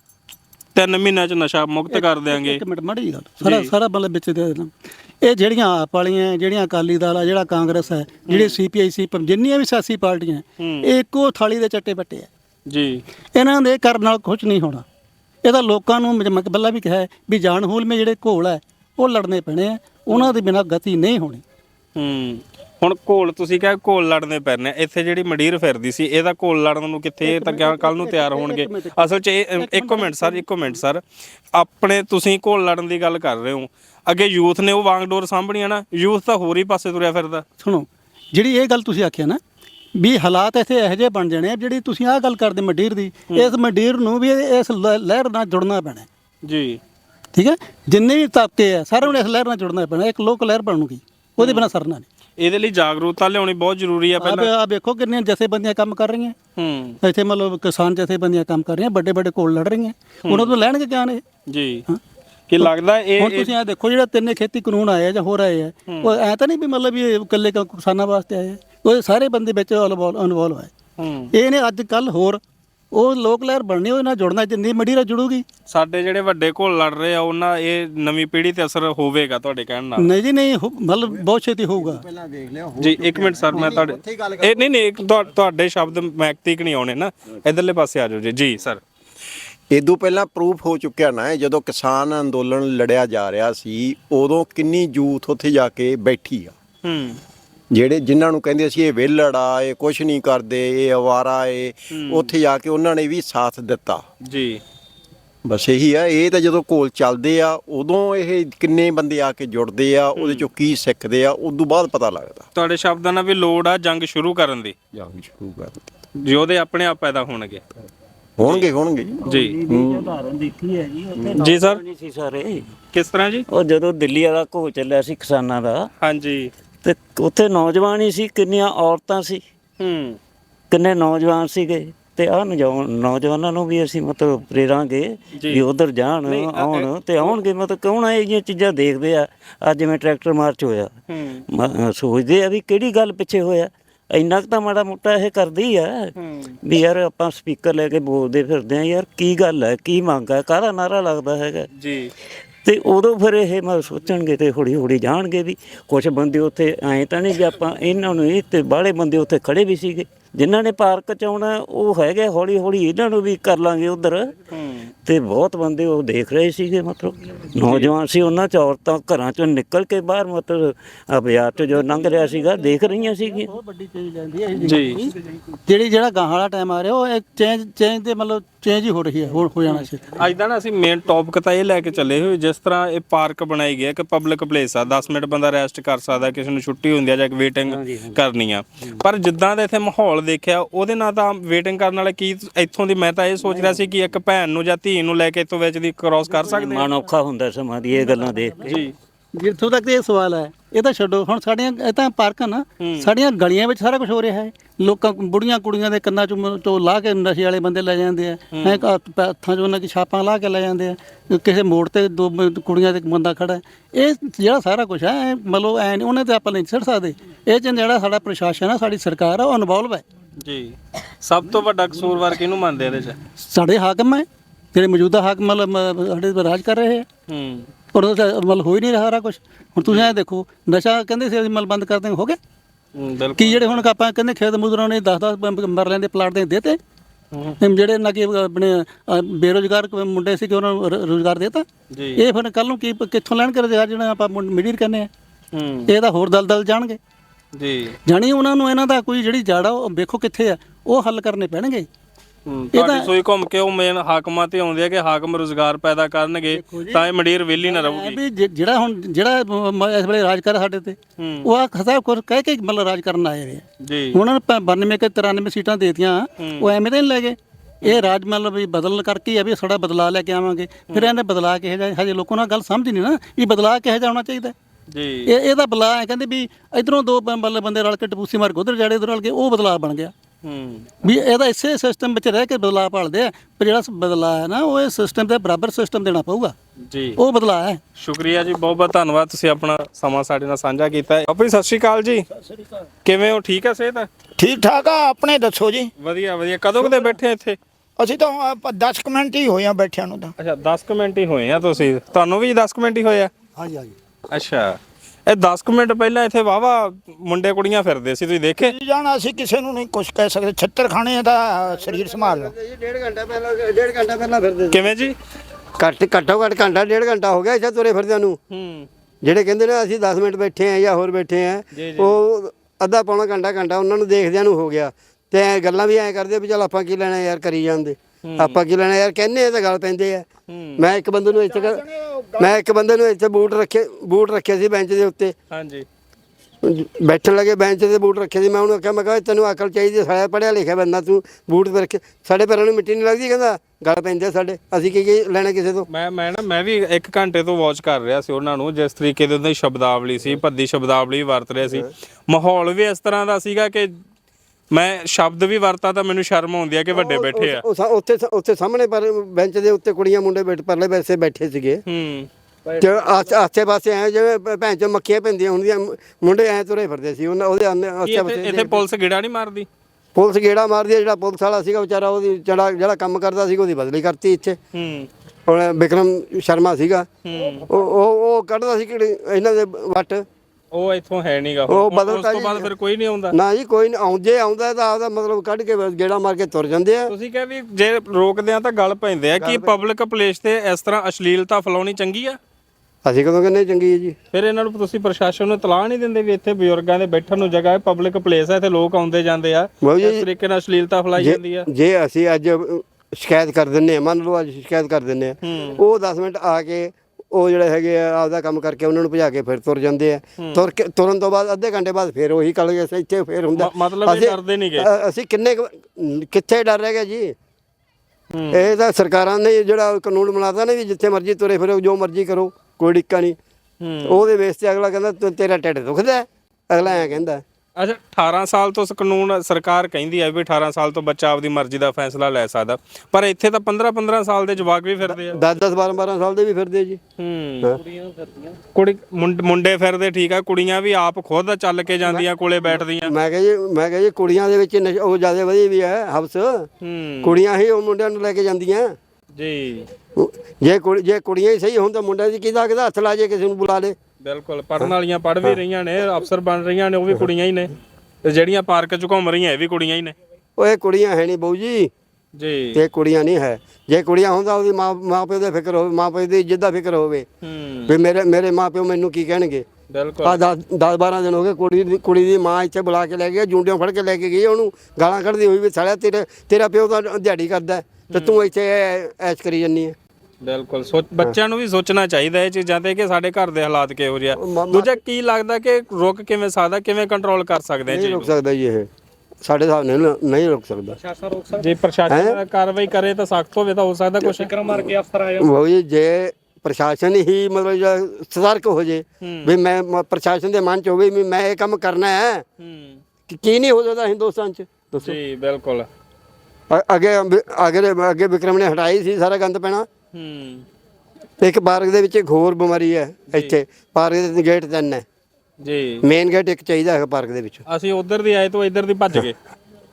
ਤਿੰਨ ਮਹੀਨਿਆਂ 'ਚ ਨਸ਼ਾ ਮੁਕਤ ਕਰ ਦਿਆਂਗੇ ਇੱਕ ਮਿੰਟ ਮਾੜੀ ਗੱਲ ਸਾਰਾ ਸਾਰਾ ਮਤਲਬ ਵਿੱਚ ਦੇ ਦੇਣਾ ਇਹ ਜਿਹੜੀਆਂ ਆਪ ਵਾਲੀਆਂ ਜਿਹੜੀਆਂ ਅਕਾਲੀ ਦਲ ਆ ਜਿਹੜਾ ਕਾਂਗਰਸ ਹੈ ਜਿਹੜੇ ਸੀਪੀਆਈ ਸੀ ਜਿੰਨੀਆਂ ਵੀ ਸਿਆਸੀ ਪਾਰਟੀਆਂ ਇਹ ਇੱਕੋ ਥਾਲੀ ਦੇ ਚੱਟੇ ਬੱਟੇ ਆ ਜੀ ਇਹਨਾਂ ਦੇ ਕਰਨ ਨਾਲ ਕੁਝ ਨਹੀਂ ਹੋਣਾ ਇਹ ਤਾਂ ਲੋਕਾਂ ਨੂੰ ਮੈਂ ਪਹਿਲਾਂ ਵੀ ਕਿਹਾ ਵੀ ਜਾਨ ਹੂਲਮੇ ਜਿਹੜੇ ਘੋਲ ਹੈ ਉਹ ਲੜਨੇ ਪੈਣੇ ਆ ਉਹਨਾਂ ਦੇ ਬਿਨਾਂ ਗਤੀ ਨਹੀਂ ਹੋਣੀ ਹੂੰ ਹੁਣ ਘੋਲ ਤੁਸੀਂ ਕਿਹਾ ਘੋਲ ਲੜਨੇ ਪੈਣੇ ਇੱਥੇ ਜਿਹੜੀ ਮੰਡੀਰ ਫਿਰਦੀ ਸੀ ਇਹਦਾ ਘੋਲ ਲੜਨ ਨੂੰ ਕਿੱਥੇ ਤਾਂ ਕੱਲ ਨੂੰ ਤਿਆਰ ਹੋਣਗੇ ਅਸਲ 'ਚ ਇਹ ਇੱਕੋ ਮਿੰਟ ਸਰ ਇੱਕੋ ਮਿੰਟ ਸਰ ਆਪਣੇ ਤੁਸੀਂ ਘੋਲ ਲੜਨ ਦੀ ਗੱਲ ਕਰ ਰਹੇ ਹੋ ਅੱਗੇ ਯੂਥ ਨੇ ਉਹ ਵਾਂਗਡੋਰ ਸਾਂਭਣੀ ਆ ਨਾ ਯੂਥ ਤਾਂ ਹੋਰ ਹੀ ਪਾਸੇ ਤੁਰਿਆ ਫਿਰਦਾ ਸੁਣੋ ਜਿਹੜੀ ਇਹ ਗੱਲ ਤੁਸੀਂ ਆਖਿਆ ਨਾ ਵੀ ਹਾਲਾਤ ਇੱਥੇ ਇਹੋ ਜਿਹੇ ਬਣ ਜਾਣੇ ਆ ਜਿਹੜੀ ਤੁਸੀਂ ਆਹ ਗੱਲ ਕਰਦੇ ਮੰਡੀਰ ਦੀ ਇਸ ਮੰਡੀਰ ਨੂੰ ਵੀ ਇਸ ਲਹਿਰ ਨਾਲ ਜੁੜਨਾ ਪੈਣਾ ਜੀ ਠੀਕ ਹੈ ਜਿੰਨੇ ਵੀ ਤਬਕੇ ਆ ਸਾਰਿਆਂ ਨੂੰ ਇਸ ਲਹਿਰ ਨਾਲ ਜੁੜਨਾ ਪੈਣਾ ਇੱਕ ਲੋਕ ਲਹਿਰ ਬਣੂਗੀ ਉਹਦੇ ਬਿਨਾਂ ਸਰਨਾ ਨਹੀਂ ਇਹਦੇ ਲਈ ਜਾਗਰੂਕਤਾ ਲਿਆਉਣੀ ਬਹੁਤ ਜ਼ਰੂਰੀ ਆ ਪਹਿਲਾਂ ਆ ਵੇਖੋ ਕਿੰਨੀਆਂ ਜਥੇਬੰਦੀਆਂ ਕੰਮ ਕਰ ਰਹੀਆਂ ਹੂੰ ਇੱਥੇ ਮਤਲਬ ਕਿਸਾਨ ਜਥੇਬੰਦੀਆਂ ਕੰਮ ਕਰ ਰਹੀਆਂ ਵੱਡੇ ਵੱਡੇ ਕੋਲ ਲੜ ਰਹੀਆਂ ਉਹਨਾਂ ਤੋਂ ਲੈਣਗੇ ਕਿਆ ਨੇ ਜੀ ਕੀ ਲੱਗਦਾ ਇਹ ਹੁਣ ਤੁਸੀਂ ਆ ਦੇਖੋ ਜਿਹੜਾ ਤਿੰਨੇ ਖੇਤੀ ਕਾਨੂੰਨ ਆਏ ਆ ਜਾਂ ਹੋਰ ਆਏ ਆ ਉਹ ਐ ਤਾਂ ਨਹੀਂ ਵੀ ਮਤਲਬ ਵੀ ਇਹ ਇਕੱਲੇ ਕਿਸਾਨਾਂ ਵਾਸਤੇ ਆਏ ਆ ਉਹ ਸਾਰੇ ਬੰਦੇ ਵਿੱਚ ਇਨਵੋਲਵ ਹੋਏ ਹੂੰ ਇਹ ਨੇ ਅੱਜ ਕੱਲ ਹੋਰ ਉਹ ਲੋਕ ਲਹਿਰ ਬਣਨੀ, ਉਹਦੇ ਨਾਲ ਜੁੜਨਾ, ਜਿੰਨੀ ਮੰਡੀਰ ਜੁੜੂਗੀ। ਸਾਡੇ ਜਿਹੜੇ ਵੱਡੇ ਘੋਲ ਲੜ ਰਹੇ ਆ ਉਹਨਾਂ ਇਹ ਨਵੀਂ ਪੀੜ੍ਹੀ ਤੇ ਅਸਰ ਹੋਵੇਗਾ ਤੁਹਾਡੇ ਕਹਿਣ ਨਾਲ? ਨਹੀਂ ਜੀ ਨਹੀਂ, ਹੋ- ਮਤਲਬ ਬਹੁਤ ਛੇਤੀ ਹੋਊਗਾ। ਜੀ ਇੱਕ ਮਿੰਟ ਸਰ, ਮੈਂ ਤੁਹਾਡੇ ਇਹ ਨਹੀਂ ਨਹੀਂ ਇੱਕ ਤੁਹਾ- ਤੁਹਾਡੇ ਸ਼ਬਦ ਮੈਕਤੀਕ ਨਹੀਂ ਆਉਣੇ ਨਾ, ਇਧਰਲੇ ਪਾਸੇ ਆ ਜਾਓ ਜੀ। ਜੀ ਸਰ, ਇਦੋਂ ਪਹਿਲਾਂ ਪ੍ਰੂਫ ਹੋ ਚੁੱਕਿਆ ਨਾ, ਜਦੋਂ ਕਿਸਾਨ ਅੰਦੋਲਨ ਲੜਿਆ ਜਾ ਰਿਹਾ ਸੀ ਉਦੋਂ ਕਿੰਨੀ ਯੂਥ ਉੱਥੇ ਜਾ ਕੇ ਬੈਠੀ ਆ, ਹੂੰ ਜਿਹੜੇ ਜਿਨ੍ਹਾਂ ਨੂੰ ਕਹਿੰਦੇ ਸੀ ਇਹ ਵਿਹਲੜ ਆ, ਇਹ ਕੁਛ ਨਹੀਂ ਕਰਦੇ, ਇਹ ਅਵਾਰਾ ਏ, ਉੱਥੇ ਜਾ ਕੇ ਉਹਨਾਂ ਨੇ ਵੀ ਸਾਥ ਦਿੱਤਾ। ਜੀ ਬਸ ਇਹੀ ਆ। ਇਹ ਤਾਂ ਜਦੋਂ ਘੋਲ ਚੱਲਦੇ ਆ ਉਦੋਂ ਇਹ ਕਿੰਨੇ ਬੰਦੇ ਆ ਕੇ ਜੁੜਦੇ ਆ, ਉਹਦੇ ਚੋਂ ਕੀ ਸਿੱਖਦੇ ਆ, ਉਦੋਂ ਬਾਅਦ ਪਤਾ ਲੱਗਦਾ। ਤੁਹਾਡੇ ਸ਼ਬਦਾਂ ਨਾਲ ਵੀ ਲੋੜ ਆ ਜੰਗ ਸ਼ੁਰੂ ਕਰਨ ਦੀ, ਜੰਗ ਸ਼ੁਰੂ ਕਰ ਯੋਧੇ ਆਪਣੇ ਆਪ ਪੈਦਾ ਹੋਣਗੇ। ਹੋਣਗੇ ਹੋਣਗੇ ਜੀ ਉਦਾਹਰਨ ਦਿੱਤੀ ਹੈ ਜੀ, ਉੱਥੇ ਜੀ ਸਰ, ਨਹੀਂ ਸੀ ਸਾਰੇ। ਕਿਸ ਤਰ੍ਹਾਂ ਜੀ? ਉਹ ਜਦੋਂ ਦਿੱਲੀ ਵਾਲਾ ਘੋ ਚੱਲਿਆ ਸੀ ਕਿਸਾਨਾਂ ਦਾ, ਹਾਂਜੀ, ਤੇ ਉੱਥੇ ਨੌਜਵਾਨ ਹੀ ਸੀ, ਕਿੰਨੀਆਂ ਔਰਤਾਂ ਸੀ, ਹੂੰ ਕਿੰਨੇ ਨੌਜਵਾਨ ਸੀਗੇ। ਤੇ ਆਹ ਨੌਜਵਾਨਾਂ ਨੂੰ ਵੀ ਅਸੀਂ ਮਤਲਬ ਪ੍ਰੇਰਾਂਗੇ ਵੀ ਉਧਰ ਜਾਣ, ਆਉਣ ਤੇ ਆਉਣਗੇ। ਮਤਲਬ ਕੌਣ ਇਹ ਜਿਹੀਆਂ ਚੀਜ਼ਾਂ ਦੇਖਦੇ ਆ, ਅੱਜ ਜਿਵੇਂ ਟਰੈਕਟਰ ਮਾਰਚ ਹੋਇਆ, ਸੋਚਦੇ ਆ ਵੀ ਕਿਹੜੀ ਗੱਲ ਪਿੱਛੇ ਹੋਇਆ। ਇੰਨਾ ਕੁ ਤਾਂ ਮਾੜਾ ਮੋਟਾ ਇਹ ਕਰਦੀ ਆ ਵੀ ਯਾਰ ਆਪਾਂ ਸਪੀਕਰ ਲੈ ਕੇ ਬੋਲਦੇ ਫਿਰਦੇ ਆ, ਯਾਰ ਕੀ ਗੱਲ ਹੈ, ਕੀ ਮੰਗ ਹੈ, ਕਾਹਦਾ ਨਾਰਾ ਲੱਗਦਾ ਹੈਗਾ ਜੀ। ਤੇ ਉਦੋਂ ਫਿਰ ਇਹ ਮਤਲਬ ਸੋਚਣਗੇ ਤੇ ਹੌਲੀ ਹੌਲੀ ਜਾਣਗੇ ਵੀ ਕੁਛ ਬੰਦੇ ਉੱਥੇ ਐਂ ਤਾਂ ਨਹੀਂ ਵੀ ਆਪਾਂ ਇਹਨਾਂ ਨੂੰ, ਇਹ ਤੇ ਬਾਹਲੇ ਬੰਦੇ ਉੱਥੇ ਖੜੇ ਵੀ ਸੀਗੇ ਜਿਨ੍ਹਾਂ ਨੇ ਪਾਰਕ ਚ ਆਉਣਾ, ਉਹ ਹੈਗੇ ਹੌਲੀ ਹੌਲੀ ਇਹਨਾਂ ਨੂੰ ਵੀ ਕਰ ਲਾਂਗੇ ਉਧਰ। ਤੇ ਬਹੁਤ ਬੰਦੇ ਉਹ ਦੇਖ ਰਹੇ ਸੀਗੇ, ਮਤਲਬ ਨੌਜਵਾਨ ਸੀ, ਉਹਨਾਂ ਚ ਔਰਤਾਂ ਘਰਾਂ ਚੋਂ ਨਿਕਲ ਕੇ ਬਾਹਰ ਮਤਲਬ ਆ ਬਾਜ਼ਾਰ ਚ ਜੋ ਲੰਘ ਰਿਹਾ ਸੀਗਾ ਦੇਖ ਰਹੀਆਂ ਸੀਗੀਆਂ। ਬਹੁਤ ਵੱਡੀ ਚੇਂਜ ਜਾਂਦੀ ਹੈ ਜੀ। ਜਿਹੜੀ ਜਿਹੜਾ ਗਾਹਾਂ ਵਾਲਾ ਟਾਈਮ ਆ ਰਿਹਾ ਉਹ ਚੇਂਜ ਚੇਂਜ ਦੇ ਮਤਲਬ ਚੇਂਜ ਹੀ ਹੋ ਰਹੀ ਹੈ, ਹੋ ਹੋ ਜਾਣਾ ਸੀ। ਅੱਜ ਦਾ ਨਾ ਅਸੀਂ ਮੇਨ ਟੌਪਿਕ ਤਾਂ ਇਹ ਲੈ ਕੇ ਚੱਲੇ ਹੋਏ, ਜਿਸ ਤਰ੍ਹਾਂ ਇਹ ਪਾਰਕ ਬਣਾਈ ਗਈ ਹੈ ਕਿ ਪਬਲਿਕ ਪਲੇਸ ਆ, ਦਸ ਮਿੰਟ ਬੰਦਾ ਰੈਸਟ ਕਰ ਸਕਦਾ, ਕਿਸੇ ਨੂੰ ਛੁੱਟੀ ਹੁੰਦੀ ਆ ਜਾਂ ਵੇਟਿੰਗ ਕਰਨੀ ਆ, ਪਰ ਜਿੱਦਾਂ ਦਾ ਇੱਥੇ ਮਾਹੌਲ ਦੇਖਿਆ ਉਹਦੇ ਨਾਲ ਤਾਂ ਵੇਟਿੰਗ ਕਰਨ ਵਾਲੇ ਕੀ ਇੱਥੋਂ ਦੀ, ਮੈਂ ਤਾਂ ਇਹ ਸੋਚ ਰਿਹਾ ਸੀ ਕਿ ਇੱਕ ਭੈਣ ਨੂੰ ਜਾਂ ਧੀ ਨੂੰ ਲੈ ਕੇ ਇੱਥੋਂ ਵਿੱਚ ਦੀ ਕ੍ਰਾਸ ਕਰ ਸਕਦੇ ਮਨ ਔਖਾ ਹੁੰਦਾ ਸਮਾਂ ਦੀ ਇਹ ਗੱਲਾਂ ਦੇਖ ਕੇ। ਜੀ ਜਿੱਥੋਂ ਤੱਕ ਇਹ ਸਵਾਲ ਹੈ ਇਹ ਤਾਂ ਛੱਡੋ, ਹੁਣ ਸਾਡੀਆਂ ਇਹ ਤਾਂ ਪਾਰਕ ਨਾ, ਸਾਡੀਆਂ ਗਲੀਆਂ ਵਿੱਚ ਸਾਰਾ ਕੁਝ ਹੋ ਰਿਹਾ ਹੈ। ਲੋਕਾਂ ਬੁੜੀਆਂ ਕੁੜੀਆਂ ਦੇ ਕੰਨਾਂ ਚੋਂ ਚੋਂ ਲਾ ਕੇ ਨਸ਼ੇ ਵਾਲੇ ਬੰਦੇ ਲੈ ਜਾਂਦੇ ਆ, ਐ ਹੱਥਾਂ 'ਚ ਉਹਨਾਂ ਦੀ ਛਾਪਾਂ ਲਾ ਕੇ ਲੈ ਜਾਂਦੇ ਆ, ਕਿਸੇ ਮੋੜ ਤੇ ਦੋ ਕੁੜੀਆਂ ਤੇ ਇੱਕ ਬੰਦਾ ਖੜਾ। ਇਹ ਜਿਹੜਾ ਸਾਰਾ ਕੁਝ ਹੈ ਮਤਲਬ ਐ ਨਹੀਂ ਉਹਨੇ ਤੇ ਆਪਾਂ ਨਹੀਂ ਛੱਡ ਸਕਦੇ। ਇਹ 'ਚ ਜਿਹੜਾ ਸਾਡਾ ਪ੍ਰਸ਼ਾਸਨ ਆ, ਸਾਡੀ ਸਰਕਾਰ ਆ, ਉਹ ਇਨਵੋਲਵ ਹੈ ਜੀ। ਸਭ ਤੋਂ ਵੱਡਾ ਕਸੂਰਵਾਰ ਕਿਹਨੂੰ ਮੰਨਦੇ ਇਹਦੇ 'ਚ? ਸਾਡੇ ਹਾਕਮ ਹੈ, ਜਿਹੜੇ ਮੌਜੂਦਾ ਹਾਕਮ ਮਤਲਬ ਸਾਡੇ ਤੇ ਰਾਜ ਕਰ ਰਹੇ ਆ, ਹੂੰ ਪਰ ਉਹ ਮਤਲਬ ਹੋ ਹੀ ਨਹੀਂ ਰਿਹਾ ਸਾਰਾ ਕੁਝ। ਹੁਣ ਤੁਸੀਂ ਐਂ ਦੇਖੋ, ਨਸ਼ਾ ਕਹਿੰਦੇ ਸੀ ਅਸੀਂ ਮਲ ਬੰਦ ਕਰ ਦੇਂਗੇ, ਹੋ ਗਿਆ ਬਿਲਕੁਲ। ਕੀ ਜਿਹੜੇ ਹੁਣ ਆਪਾਂ ਕਹਿੰਦੇ ਖੇਤ ਮਜ਼ਦੂਰਾਂ ਨੇ ਦਸ ਦਸ ਮਰਲਿਆਂ ਦੇ ਪਲਾਟ ਦੇ ਦੇਤੇ, ਜਿਹੜੇ ਨਾ ਕਿ ਆਪਣੇ ਬੇਰੁਜ਼ਗਾਰ ਮੁੰਡੇ ਸੀ ਕਿ ਉਹਨਾਂ ਨੂੰ ਰੋਜ਼ਗਾਰ ਦੇਤਾ। ਇਹ ਫਿਰ ਕੱਲ ਨੂੰ ਕੀ ਕਿੱਥੋਂ ਲੈਣਗੇ ਰੁਜ਼ਗਾਰ ਜਿਹੜਾ ਆਪਾਂ ਮੀਡੀਅਰ ਕਹਿੰਦੇ ਆ? ਇਹ ਤਾਂ ਹੋਰ ਦਲਦਲ ਜਾਣਗੇ ਜੀ। ਜਾਣੀ ਉਹਨਾਂ ਨੂੰ ਇਹਨਾਂ ਦਾ ਕੋਈ ਜਿਹੜੀ ਜੜ ਆ ਉਹ ਵੇਖੋ ਕਿੱਥੇ ਆ, ਉਹ ਹੱਲ ਕਰਨੇ ਪੈਣਗੇ। ਤੁਹਾਡੀ ਸੋਈ ਘੁੰਮ ਕੇ ਉਹ ਮੇਨ ਹਾਕਮਾਂ ਤੇ ਆਉਂਦੇ ਆ ਕਿ ਹਾਕਮ ਰੋਜ਼ਗਾਰ ਪੈਦਾ ਕਰਨਗੇ ਤਾਂ ਇਹ ਮੰਡੀਰ ਵਿਹਲੀ ਨਾ ਰਹੂਗੀ। ਵੀ ਜਿਹੜਾ ਹੁਣ ਜਿਹੜਾ ਇਸ ਵੇਲੇ ਰਾਜ ਕਰ ਸਾਡੇ ਤੇ, ਉਹ ਆ ਖਸਾ ਕੁਝ ਕਹਿ ਕੇ ਮਤਲਬ ਰਾਜ ਕਰਨ ਆਏ ਨੇ ਜੀ। ਹੁਣ ਬਾਨਵੇਂ ਕੇ ਤਰਾਨਵੇਂ ਸੀਟਾਂ ਦੇਤੀਆਂ, ਉਹ ਐਵੇਂ ਤਾਂ ਨਹੀਂ ਲੈ ਗਏ। ਇਹ ਰਾਜ ਮਤਲਬ ਵੀ ਬਦਲਣ ਕਰਕੇ ਆ ਵੀ ਸਾਡਾ ਬਦਲਾਅ ਲੈ ਕੇ ਆਵਾਂਗੇ। ਫਿਰ ਇਹਨੇ ਬਦਲਾਅ ਕਿਹੋ ਜਿਹਾ, ਹਜੇ ਲੋਕਾਂ ਨਾਲ ਗੱਲ ਸਮਝ ਨਹੀਂ ਨਾ ਵੀ ਬਦਲਾਅ ਕਿਹੋ ਜਿਹਾ ਹੋਣਾ ਚਾਹੀਦਾ ਜੀ। ਇਹ ਇਹਦਾ ਬਦਲਾਅ ਹੈ ਕਹਿੰਦੇ ਵੀ ਇਧਰੋਂ ਦੋ ਮਤਲਬ ਬੰਦੇ ਰਲ ਕੇ ਟਪੂਸੀ ਮਾਰ ਕੇ ਉਧਰ ਜਾੜੇ ਉਧਰ ਰਲ ਕੇ, ਉਹ ਬਦਲਾਅ ਬਣ ਗਿਆ। ਵੀ ਇਹਦਾ ਇਸੇ ਸਿਸਟਮ ਵਿੱਚ ਰਹਿ ਕੇ ਬਦਲਾਅ ਭਾਲਦੇ ਆ, ਪਰ ਜਿਹੜਾ ਬਦਲਾਅ ਹੈ ਨਾ ਉਹ ਇਹ ਸਿਸਟਮ ਦੇ ਬਰਾਬਰ ਸਿਸਟਮ ਦੇਣਾ ਪਊਗਾ ਜੀ, ਉਹ ਬਦਲਾਅ ਹੈ। ਸ਼ੁਕਰੀਆ ਜੀ, ਬਹੁਤ ਬਹੁਤ ਧੰਨਵਾਦ, ਤੁਸੀਂ ਆਪਣਾ ਸਮਾਂ ਸਾਡੇ ਨਾਲ ਸਾਂਝਾ ਕੀਤਾ ਹੈ। ਆਪਣੀ ਸਤਿ ਸ਼੍ਰੀ ਅਕਾਲ ਜੀ, ਕਿਵੇਂ ਹੋ? ਠੀਕ ਹੈ ਸਿਹਤ? ਠੀਕ ਠਾਕ ਆ, ਆਪਣੇ ਦੱਸੋ ਜੀ। ਵਧੀਆ ਵਧੀਆ। ਕਦੋਂ ਕਦੇ ਬੈਠੇ ਇੱਥੇ? ਅਸੀਂ ਤਾਂ ਦਸ ਕੁ ਮਿੰਟ ਹੀ ਹੋਏ ਆ ਬੈਠਿਆਂ ਨੂੰ ਤਾਂ। ਅੱਛਾ ਦਸ ਕੁ ਮਿੰਟ ਹੀ ਹੋਏ ਆ ਤੁਸੀਂ, ਤੁਹਾਨੂੰ ਵੀ ਦਸ ਕੁ ਮਿੰਟ ਹੀ ਹੋਏ ਆ? ਹਾਂਜੀ ਹਾਂਜੀ। ਅੱਛਾ, ਇਹ ਦਸ ਕੁ ਮਿੰਟ ਪਹਿਲਾਂ ਇੱਥੇ ਵਾਵਾ ਮੁੰਡੇ ਕੁੜੀਆਂ ਫਿਰਦੇ ਸੀ, ਤੁਸੀਂ ਦੇਖੇ? ਜਾਣਾ ਅਸੀਂ ਕਿਸੇ ਨੂੰ ਨਹੀਂ ਕੁਝ ਕਹਿ ਸਕਦੇ, ਛੱਤਰ ਖਾਣੇ ਦਾ ਸਰੀਰ ਸੰਭਾਲ ਲਓ। ਡੇਢ ਘੰਟਾ ਪਹਿਲਾਂ ਡੇਢ ਘੰਟਾ ਪਹਿਲਾਂ ਫਿਰਦੇ ਸੀ। ਕਿਵੇਂ ਜੀ? ਘੱਟ ਘੱਟੋ ਘੱਟ ਘੰਟਾ ਡੇਢ ਘੰਟਾ ਹੋ ਗਿਆ ਇੱਥੇ ਤੁਰੇ ਫਿਰਦਿਆਂ ਨੂੰ। ਹੂੰ। ਜਿਹੜੇ ਕਹਿੰਦੇ ਨੇ ਅਸੀਂ ਦਸ ਮਿੰਟ ਬੈਠੇ ਆ ਜਾਂ ਹੋਰ ਬੈਠੇ ਆ, ਉਹ ਅੱਧਾ ਪੌਣਾ ਘੰਟਾ ਘੰਟਾ ਉਹਨਾਂ ਨੂੰ ਦੇਖਦਿਆਂ ਨੂੰ ਹੋ ਗਿਆ। ਤੇ ਗੱਲਾਂ ਵੀ ਐਂ ਕਰਦੇ ਵੀ ਚੱਲ ਆਪਾਂ ਕੀ ਲੈਣਾ ਯਾਰ, ਕਰੀ ਜਾਂਦੇ ਆਪਾਂ ਕੀ ਲੈਣਾ ਯਾਰ, ਕਹਿੰਦੇ ਆ ਤਾਂ ਗੱਲ ਪੈਂਦੇ ਆ। ਮੈਂ ਇੱਕ ਬੰਦੇ ਨੂੰ ਇੱਥੇ ਮੈਂ ਇੱਕ ਬੰਦੇ ਨੂੰ ਇੱਥੇ ਬੂਟ ਰੱਖੇ ਬੂਟ ਰੱਖੇ ਸੀ ਬੈਂਚ ਦੇ ਉੱਤੇ। ਹਾਂਜੀ। ਬੈਠਣ ਲੱਗੇ ਬੈਂਚ ਤੇ ਬੂਟ ਰੱਖੇ ਸੀ, ਮੈਂ ਉਹਨੂੰ ਆਖਿਆ ਮੈਂ ਕਿਹਾ ਤੈਨੂੰ ਅਕਲ ਚਾਹੀਦੀ, ਸਾਡਾ ਪੜ੍ਹਿਆ ਲਿਖਿਆ ਬੰਦਾ, ਤੂੰ ਬੂਟ ਤੇ ਰੱਖੇ, ਸਾਡੇ ਪੈਰਾਂ ਨੂੰ ਮਿੱਟੀ ਨਹੀਂ ਲੱਗਦੀ। ਕਹਿੰਦਾ ਗੱਲ ਪੈਂਦੇ ਸਾਡੇ, ਅਸੀਂ ਕੀ ਕੀ ਲੈਣਾ ਕਿਸੇ ਤੋਂ। ਮੈਂ ਮੈਂ ਨਾ ਮੈਂ ਵੀ ਇੱਕ ਘੰਟੇ ਤੋਂ ਵਾਚ ਕਰ ਰਿਹਾ ਸੀ ਉਹਨਾਂ ਨੂੰ, ਜਿਸ ਤਰੀਕੇ ਦੇ ਉਹਨਾਂ ਦੀ ਸ਼ਬਦਾਵਲੀ ਸੀ, ਭੱਦੀ ਸ਼ਬਦਾਵਲੀ ਵਰਤ ਰਿਹਾ ਸੀ, ਮਾਹੌਲ ਵੀ ਇਸ ਤਰ੍ਹਾਂ ਦਾ ਸੀਗਾ ਕਿ ਮੈਂ ਸ਼ਬਦ ਵੀ ਵਰਤਾ ਤਾਂ ਮੈਨੂੰ ਸ਼ਰਮ ਆਉਂਦੀ ਆ ਕਿ ਵੱਡੇ ਬੈਠੇ ਆ ਉੱਥੇ ਉੱਥੇ ਸਾਹਮਣੇ ਪਰ ਬੈਂਚ ਦੇ ਉੱਤੇ ਕੁੜੀਆਂ ਮੁੰਡੇ ਬੈਠ ਪਰਲੇ ਪਾਸੇ ਬੈਠੇ ਸੀਗੇ। ਹੂੰ। ਤੇ ਆਸੇ ਪਾਸੇ ਐ ਜਿਵੇਂ ਭੈਣ ਚੋਂ ਮੱਖੀਆਂ ਪੈਂਦੀਆਂ ਹੁੰਦੀਆਂ, ਮੁੰਡੇ ਐ ਤੁਰੇ ਫਿਰਦੇ ਸੀ ਉਹਨਾਂ ਉਹਦੇ ਆਸੇ ਪਾਸੇ। ਇੱਥੇ ਪੁਲਿਸ ਗਿੜਾ ਨਹੀਂ ਮਾਰਦੀ? ਪੁਲਿਸ ਗੇੜਾ ਮਾਰਦੀ ਹੈ, ਜਿਹੜਾ ਪੁਲਿਸ ਵਾਲਾ ਸੀਗਾ ਵਿਚਾਰਾ ਉਹਦੀ ਜਿਹੜਾ ਜਿਹੜਾ ਕੰਮ ਕਰਦਾ ਸੀਗਾ ਉਹਦੀ ਬਦਲੀ ਕਰਤੀ ਇੱਥੇ। ਹੂੰ ਹੁਣ ਵਿਕਰਮ ਸ਼ਰਮਾ ਸੀਗਾ, ਉਹ ਉਹ ਉਹ ਕੱਢਦਾ ਸੀ ਕਿ ਇਹਨਾਂ ਦੇ ਵੱਟ, ਉਹ ਇੱਥੋਂ ਹੈ ਨਹੀਂਗਾ। ਉਹ ਉਸ ਬਦਲਤਾ ਤੋਂ ਬਾਅਦ ਜੀ। ਫਿਰ ਕੋਈ ਨਹੀਂ ਆਉਂਦਾ ਨਾ ਜੀ ਕੋਈ ਨਹੀਂ ਆਉਂਦੇ ਆਉਂਦਾ ਤਾਂ ਆਪਦਾ ਮਤਲਬ ਕੱਢ ਕੇ ਬਸ ਗੇੜਾ ਮਾਰ ਕੇ ਤੁਰ ਜਾਂਦੇ ਆ। ਤੁਸੀਂ ਕਿਹਾ ਵੀ ਜੇ ਰੋਕਦੇ ਆ ਤਾਂ ਗੱਲ ਪੈਂਦੇ ਆ ਕਿ ਪਬਲਿਕ ਪਲੇਸ ਤੇ ਇਸ ਤਰ੍ਹਾਂ ਅਸ਼ਲੀਲਤਾ ਫੈਲਾਉਣੀ ਚੰਗੀ ਆ? ਅਸੀਂ ਕਦੋਂ ਕਹਿੰਦੇ ਚੰਗੀ ਹੈ ਜੀ। ਫਿਰ ਇਹਨਾਂ ਨੂੰ ਤੁਸੀਂ ਪ੍ਰਸ਼ਾਸਨ ਨੂੰ ਇਤਲਾਹ ਨਹੀਂ ਦਿੰਦੇ ਵੀ ਇੱਥੇ ਬਜ਼ੁਰਗਾਂ ਦੇ ਬੈਠਣ ਨੂੰ ਜਗ੍ਹਾ ਹੈ, ਪਬਲਿਕ ਪਲੇਸ ਹੈ, ਇੱਥੇ ਲੋਕ ਆਉਂਦੇ ਜਾਂਦੇ ਆ, ਬਾਬੂ ਜੀ, ਇਸ ਤਰੀਕੇ ਨਾਲ ਅਸ਼ਲੀਲਤਾ ਫੈਲਾਈ ਜਾਂਦੀ ਆ? ਜੇ ਅਸੀਂ ਅੱਜ ਸ਼ਿਕਾਇਤ ਕਰ ਦਿੰਨੇ ਆ, ਮੰਨ ਲਓ ਅੱਜ ਸ਼ਿਕਾਇਤ ਕਰ ਦਿੰਨੇ ਆ, ਉਹ ਦਸ ਮਿੰਟ ਆ ਕੇ ਉਹ ਜਿਹੜੇ ਹੈਗੇ ਆ ਆਪਦਾ ਕੰਮ ਕਰਕੇ ਉਹਨਾਂ ਨੂੰ ਭਜਾ ਕੇ ਫਿਰ ਤੁਰ ਜਾਂਦੇ ਆ। ਤੁਰ ਕੇ ਤੁਰਨ ਤੋਂ ਬਾਅਦ ਅੱਧੇ ਘੰਟੇ ਬਾਅਦ ਫਿਰ ਉਹੀ ਕੱਲ ਗਏ ਇੱਥੇ ਫਿਰ ਹੁੰਦਾ। ਮਤਲਬ ਇਹ ਅਸੀਂ- ਡਰਦੇ ਨਹੀਂ ਗੇ? ਅ- ਅਸੀਂ ਕਿੰਨੇ ਕੁ- ਕਿੱਥੇ ਡਰ ਰਹਿ ਗਿਆ ਜੀ। ਇਹ ਤਾਂ ਸਰਕਾਰਾਂ ਨੇ ਜਿਹੜਾ ਕਾਨੂੰਨ ਬਣਾਤਾ ਨੇ ਵੀ ਜਿੱਥੇ ਮਰਜ਼ੀ ਤੁਰੇ ਫਿਰੋ, ਜੋ ਮਰਜ਼ੀ ਕਰੋ, ਕੋਈ ਡਿੱਕਾ ਨਹੀਂ। ਉਹਦੇ ਬੇਸ ਤੇ ਅਗਲਾ ਕਹਿੰਦਾ ਤੂੰ- ਤੇਰਾ ਢਿੱਡ ਦੁਖਦਾ ਹੈ, ਅਗਲਾ ਐਂ ਕਹਿੰਦਾ। ਅੱਛਾ, ਅਠਾਰਾਂ ਸਾਲ ਤੋਂ ਕਾਨੂੰਨ ਸਰਕਾਰ ਕਹਿੰਦੀ ਹੈ ਵੀ ਅਠਾਰਾਂ ਸਾਲ ਤੋਂ ਬੱਚਾ ਆਪਦੀ ਮਰਜ਼ੀ ਦਾ ਫੈਸਲਾ ਲੈ ਸਕਦਾ, ਪਰ ਇੱਥੇ ਤਾਂ ਪੰਦਰਾਂ ਪੰਦਰਾਂ ਸਾਲ ਦੇ ਜਵਾਕ ਵੀ ਫਿਰਦੇ ਆ, ਦਸ ਦਸ ਬਾਰਾਂ ਬਾਰਾਂ ਸਾਲ ਦੇ ਵੀ ਫਿਰਦੇ ਜੀ। ਹੂੰ ਕੁੜੀ ਮੁੰਡ- ਮੁੰਡੇ ਫਿਰਦੇ ਠੀਕ ਆ, ਕੁੜੀਆਂ ਵੀ ਆਪ ਖੁਦ ਚੱਲ ਕੇ ਜਾਂਦੀਆਂ, ਕੋਲੇ ਬੈਠਦੀਆਂ। ਮੈਂ ਕਿਹਾ ਜੀ ਮੈਂ ਕਿਹਾ ਜੀ ਕੁੜੀਆਂ ਦੇ ਵਿੱਚ ਨਸ਼ਾ ਉਹ ਜ਼ਿਆਦਾ ਵਧੀਆ ਵੀ ਹੈ ਹਵਸ। ਹੂੰ ਕੁੜੀਆਂ ਹੀ ਉਹ ਮੁੰਡਿਆਂ ਨੂੰ ਲੈ ਕੇ ਜਾਂਦੀਆਂ ਜੀ। ਜੇ ਕੁੜੀ ਜੇ ਕੁੜੀਆਂ ਹੀ ਸਹੀ ਹੋਣ ਤਾਂ ਮੁੰਡਾ ਦੀ ਕਿਹਦਾ ਕਿਹਦਾ ਹੱਥ ਲਾ ਜੇ ਕਿਸੇ ਨੂੰ ਬੁਲਾ ਲੇ। ਬਿਲਕੁਲ, ਪੜਨ ਵਾਲੀਆਂ ਪੜ ਵੀ ਰਹੀਆਂ ਨੇ, ਅਫਸਰ ਬਣ ਰਹੀਆਂ ਨੇ, ਉਹ ਵੀ ਕੁੜੀਆਂ ਹੀ ਨੇ, ਤੇ ਜਿਹੜੀਆਂ ਪਾਰਕ 'ਚ ਘੁੰਮ ਰਹੀਆਂ ਇਹ ਵੀ ਕੁੜੀਆਂ ਹੀ ਨੇ। ਉਹ ਇਹ ਕੁੜੀਆਂ ਹੈ ਨਹੀਂ ਬਾਊ ਜੀ, ਜੀ ਤੇ ਕੁੜੀਆਂ ਨਹੀਂ ਹੈ। ਜੇ ਕੁੜੀਆਂ ਹੁੰਦਾ ਉਹਦੀ ਮਾਂ ਮਾਂ ਪਿਓ ਦਾ ਫਿਕਰ ਹੋਵੇ, ਮਾਂ ਪਿਓ ਦੀ ਇੱਜ਼ਤ ਦਾ ਫਿਕਰ ਹੋਵੇ ਹੂੰ ਵੀ ਮੇਰੇ ਮੇਰੇ ਮਾਂ ਪਿਓ ਮੈਨੂੰ ਕੀ ਕਹਿਣਗੇ। ਬਿਲਕੁਲ। ਆ ਦਸ ਦਸ ਬਾਰਾਂ ਦਿਨ ਹੋ ਗਏ ਕੁੜੀ ਦੀ ਕੁੜੀ ਦੀ ਮਾਂ ਇੱਥੇ ਬੁਲਾ ਕੇ ਲੈ ਗਈ, ਜੂੰਡਿਆਂ ਫੜ ਕੇ ਲੈ ਕੇ ਗਈ, ਉਹਨੂੰ ਗਾਲਾਂ ਕੱਢਦੀ ਹੋਈ ਵੀ ਸਾਲਿਆ ਤੇਰੇ ਤੇਰਾ ਪਿਓ ਤਾਂ ਦਿਹਾੜੀ ਕਰਦਾ ਤੇ ਤੂੰ ਇੱਥੇ ਐਸ਼ ਕਰੀ ਜੰਨੀ ਹੈ। ਬਿਲਕੁਲ, ਸੋਚ ਬੱਚਿਆਂ ਨੂੰ ਵੀ ਸੋਚਣਾ ਚਾਹੀਦਾ ਇਹ ਚੀਜ਼ਾਂ ਤੇ ਕਿ ਸਾਡੇ ਘਰ ਦੇ ਹਾਲਾਤ ਕਿਹੋ ਜਿਹੇ ਆ। ਦੂਜਾ ਕੀ ਲੱਗਦਾ ਕਿ ਰੁਕ ਕਿਵੇਂ ਸਕਦਾ, ਕਿਵੇਂ ਕੰਟਰੋਲ ਕਰ ਸਕਦੇ ਆ ਨਹੀਂ ਜੀ? ਰੁਕ ਸਕਦਾ ਜੀ, ਇਹ ਸਾਡੇ ਹਿਸਾਬ ਨਾਲ ਨਹੀਂ ਰੁਕ ਸਕਦਾ। ਜੇ ਪ੍ਰਸ਼ਾਸਨ ਕਾਰਵਾਈ ਕਰੇ ਤਾਂ ਸਖਤ ਹੋਵੇ ਤਾਂ ਹੋ ਸਕਦਾ ਕੁਝ। ਫਿਕਰ ਮਾਰ ਕੇ ਅਫਸਰ ਆਏ ਉਹ ਜੀ ਜੇ ਪ੍ਰਸ਼ਾਸਨ ਹੀ ਮਤਲਬ ਜਾਂ ਸਤਰਕ ਹੋ ਜੇ ਵੀ ਮੈਂ ਮ- ਪ੍ਰਸ਼ਾਸਨ ਦੇ ਮਨ ਚ ਹੋਵੇ ਵੀ ਮੈਂ ਇਹ ਕੰਮ ਕਰਨਾ ਹੈ, ਹੂੰ ਕਿ ਕੀ ਨਹੀਂ ਹੋ ਸਕਦਾ ਹਿੰਦੁਸਤਾਨ ਚ ਦੱਸੋ। ਜੀ ਬਿਲਕੁਲ। ਅ- ਅੱਗੇ ਅੱਗੇ ਅੱਗੇ ਵਿਕਰਮ ਨੇ ਹਟਾਈ ਸੀ ਸਾਰਾ ਗੰਦ ਪੈਣਾ। ਹੂੰ ਇੱਕ ਪਾਰਕ ਦੇ ਵਿੱਚ ਇੱਕ ਹੋਰ ਬਿਮਾਰੀ ਹੈ ਇੱਥੇ, ਪਾਰਕ ਦੇ ਗੇਟ ਤਿੰਨ ਹੈ ਜੀ, ਮੇਨ ਗੇਟ ਇੱਕ ਚਾਹੀਦਾ ਹੈ ਪਾਰਕ ਦੇ ਵਿੱਚ। ਅਸੀਂ ਉਧਰ ਦੀ ਆਏ ਤੋਂ ਇੱਧਰ ਦੀ ਭੱਜ ਗਏ,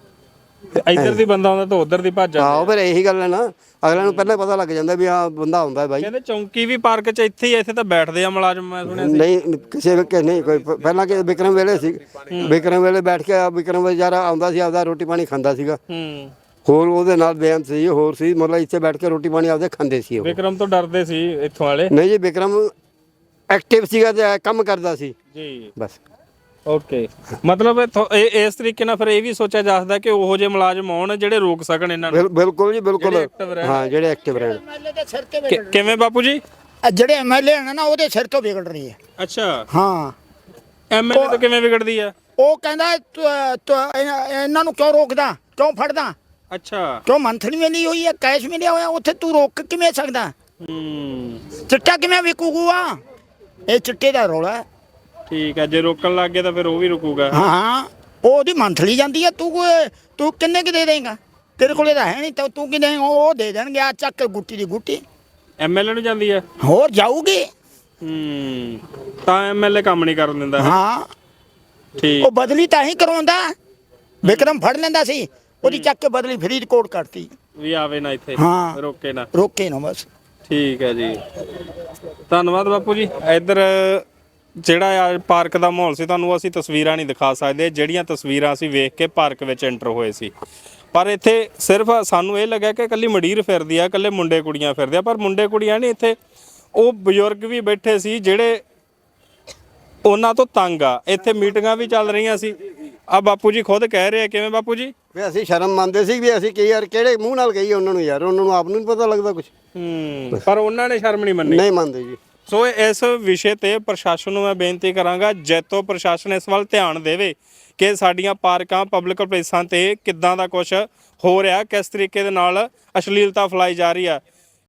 ਤੇ ਇੱਧਰ ਦੀ ਬੰਦਾ ਆਉਂਦਾ ਤਾਂ ਉਧਰ ਦੀ ਭੱਜ ਆਹੋ ਜਾਂਦੇ। ਫਿਰ ਇਹੀ ਗੱਲ ਹੈ ਨਾ, ਅਗਲਿਆਂ ਨੂੰ ਪਹਿਲਾਂ ਪਤਾ ਲੱਗ ਜਾਂਦਾ ਵੀ ਆਹ ਬੰਦਾ ਆਉਂਦਾ ਹੈ ਬਾਈ। ਕਹਿੰਦੇ ਚੌਂਕੀ ਵੀ ਪਾਰਕ 'ਚ ਇੱਥੇ ਹੀ ਆ, ਇੱਥੇ ਤਾਂ ਬੈਠਦੇ ਆ ਮੁਲਾਜ਼ਮ, ਮੈਂ ਸੁਣਿਆ ਸੀ। ਨਹੀਂ ਕਿਸੇ ਵੇਲੇ ਨਹੀਂ ਕੋਈ ਪ- ਪਹਿਲਾਂ ਕਿ ਵਿਕਰਮ ਵੇਲੇ ਸੀ, ਵਿਕਰਮ ਵੇਲੇ ਬੈਠ ਕੇ ਵਿਕਰਮ ਵਿਚਾਰਾ ਆਉਂਦਾ ਸੀ, ਆਪਦਾ ਰੋਟੀ ਪਾਣੀ ਖਾਂਦਾ ਸੀਗਾ। ਹੂੰ ਹੋਰ ਉਹਦੇ ਨਾਲ ਬੇਅੰਤ ਸੀ, ਹੋਰ ਸੀ, ਮਤਲਬ ਇੱਥੇ ਬੈਠ ਕੇ ਰੋਟੀ ਪਾਣੀ ਆਪਦੇ ਖਾਂਦੇ ਸੀ ਉਹ। ਵਿਕਰਮ ਤੋਂ ਡਰਦੇ ਸੀ ਇੱਥੋਂ ਵਾਲੇ? ਨਹੀਂ ਜੀ ਵਿਕਰਮ ਐਕਟਿਵ ਸੀਗਾ ਤੇ ਕੰਮ ਕਰਦਾ ਸੀ ਜੀ ਬਸ। ਓਕੇ, ਮਤਲਬ ਇਹ ਥੋ- ਇਹ ਇਸ ਤਰੀਕੇ ਨਾਲ ਫਿਰ ਇਹ ਵੀ ਸੋਚਿਆ ਜਾ ਸਕਦਾ ਕਿ ਉਹੋ ਜਿਹੇ ਮੁਲਾਜ਼ਮ ਆਉਣ ਜਿਹੜੇ ਰੋਕ ਸਕਣ ਇਹਨਾਂ ਨੂੰ। ਬਿਲ- ਬਿਲਕੁਲ ਜੀ ਬਿਲਕੁਲ, ਜਿਹੜੇ active ਰਹਿਣ। ਹਾਂ ਜਿਹੜੇ ਐਕਟਿਵ ਰਹਿਣ। ਐਮਐਲਏ ਦੇ ਸਿਰ ਤੇ ਕਿ- ਕਿਵੇਂ ਬਾਪੂ ਜੀ? ਵਿਗੜ- ਜਿਹੜੇ ਐਮਐਲਏ ਨੇ ਨਾ ਉਹਦੇ ਸਿਰ ਤੋਂ ਵਿਗੜ ਰਹੀ ਹੈ। ਅੱਛਾ, ਹਾਂ, ਐਮਐਲਏ ਤੋਂ ਕਿਵੇਂ ਵਿਗੜਦੀ ਆ? ਉਹ ਕਹਿੰਦਾ ਤੂੰ- ਤੂੰ ਇਹਨਾਂ ਇਹਨਾਂ ਨੂੰ ਕਿਉਂ ਰੋਕਦਾ, ਕਿਉਂ ਫੜਦਾ, ਅੱਛਾ। ਕਿਉਂ ਮੰਥਲੀ ਮਿਲੀ ਹੋਈ ਹੈ, ਕੈਸ਼ ਮਿਲਿਆ ਹੋਇਆ, ਉੱਥੇ ਤੂੰ ਰੋਕ ਕਿਵੇਂ ਸਕਦਾ? ਹੂੰ ਚਿੱਟਾ ਕਿਵੇਂ ਵਿਕੂਗਾ? ਇਹ ਚਿੱਟੇ ਦਾ ਰੌਲਾ ਹੈ। ਠੀਕ ਹੈ, ਜੇ ਰੋਕਣ ਲੱਗ ਗਏ ਤਾਂ ਫਿਰ ਉਹ ਵੀ ਰੁਕੂਗਾ। ਹਾਂ ਹਾਂ, ਉਹ ਉਹਦੀ ਮੰਥਲੀ ਜਾਂਦੀ ਹੈ। ਤੂੰ ਕੋਈ- ਤੂੰ ਕਿੰਨੇ ਕਿ ਦੇ ਦੇਂਗਾ? ਤੇਰੇ ਕੋਲੇ ਤਾਂ ਹੈ ਨਹੀਂ, ਤਾਂ ਤੂੰ ਕਿੰਨੇ ਉਹ ਦੇ ਦੇਣਗੇ। ਆ ਚੱਕ ਗੁੱਟੀ ਦੀ ਗੁੱਟੀ ਐਮਐਲਏ ਨੂੰ ਜਾਂਦੀ ਆ? ਹੋਰ ਜਾਊਗੀ। ਹੂੰ, ਤਾਂ ਐਮਐਲਏ ਕੰਮ ਨਹੀਂ ਕਰਨ ਦਿੰਦਾ। ਹਾਂ, ਠੀਕ। ਉਹ ਬਦਲੀ ਤਾਂ ਹੀ ਕਰਵਾਉਂਦਾ। ਵਿਕਰਮ ਫੜ ਲੈਂਦਾ ਸੀ, ਉਹਦੀ ਚੱਕ ਕੇ ਬਦਲੀ ਫਰੀਦਕੋਟ ਕਰਤੀ। ਵੀ ਆਵੇ ਨਾ ਇੱਥੇ, ਹਾਂ। ਰੋਕੇ ਨਾ। ਰੋਕੇ ਨਾ ਬਸ। ਠੀਕ ਹੈ ਜੀ, ਧੰਨਵਾਦ ਬਾਪੂ ਜੀ। ਇੱਧਰ ਜਿਹੜਾ ਆ ਪਾਰਕ ਦਾ ਮਾਹੌਲ ਸੀ, ਤੁਹਾਨੂੰ ਅਸੀਂ ਤਸਵੀਰਾਂ ਨਹੀਂ ਦਿਖਾ ਸਕਦੇ, ਜਿਹੜੀਆਂ ਤਸਵੀਰਾਂ ਅਸੀਂ ਵੇਖ ਕੇ ਪਾਰਕ ਵਿੱਚ ਐਂਟਰ ਹੋਏ ਸੀ। ਪਰ ਇੱਥੇ ਸਿਰਫ ਸਾਨੂੰ ਇਹ ਲੱਗਾ ਕਿ ਇਕੱਲੀ ਮੰਡੀਰ ਫਿਰਦੀ ਆ, ਇਕੱਲੇ ਮੁੰਡੇ ਕੁੜੀਆਂ ਫਿਰਦੇ ਆ, ਪਰ ਮੁੰਡੇ ਕੁੜੀਆਂ ਨਹੀਂ, ਇੱਥੇ ਉਹ ਬਜ਼ੁਰਗ ਵੀ ਬੈਠੇ ਸੀ ਜਿਹੜੇ ਉਹਨਾਂ ਤੋਂ ਤੰਗ ਆ। ਇੱਥੇ ਮੀਟਿੰਗਾਂ ਵੀ ਚੱਲ ਰਹੀਆਂ ਸੀ। ਆ ਬਾਪੂ ਜੀ ਖੁਦ ਕਹਿ ਰਹੇ ਆ। ਕਿਵੇਂ ਬਾਪੂ ਜੀ? ਵੀ ਅਸੀਂ ਸ਼ਰਮ ਮੰਨਦੇ ਸੀ ਵੀ ਅਸੀਂ ਕੀ ਯਾਰ ਕਿਹੜੇ ਮੂੰਹ ਨਾਲ ਕਹੀਏ ਉਹਨਾਂ ਨੂੰ, ਯਾਰ ਉਹਨਾਂ ਨੂੰ ਆਪ ਨੂੰ ਨਹੀਂ ਪਤਾ ਲੱਗਦਾ ਕੁਝ। ਹੂੰ, ਪਰ ਉਹਨਾਂ ਨੇ ਸ਼ਰਮ ਨਹੀਂ ਮੰਨੀ। ਨਹੀਂ ਮੰਨਦੇ ਜੀ। ਸੋ ਇਸ ਵਿਸ਼ੇ ਤੇ ਪ੍ਰਸ਼ਾਸਨ ਨੂੰ ਮੈਂ ਬੇਨਤੀ ਕਰਾਂਗਾ, ਜੈਤੋ ਪ੍ਰਸ਼ਾਸਨ ਇਸ ਵੱਲ ਧਿਆਨ ਦੇਵੇ ਕਿ ਸਾਡੀਆਂ ਪਾਰਕਾਂ, ਪਬਲਿਕ ਪਲੇਸਾਂ ਤੇ ਕਿੱਦਾਂ ਦਾ ਕੁਝ ਹੋ ਰਿਹਾ, ਕਿਸ ਤਰੀਕੇ ਦੇ ਨਾਲ ਅਸ਼ਲੀਲਤਾ ਫੈਲਾਈ ਜਾ ਰਹੀ ਆ।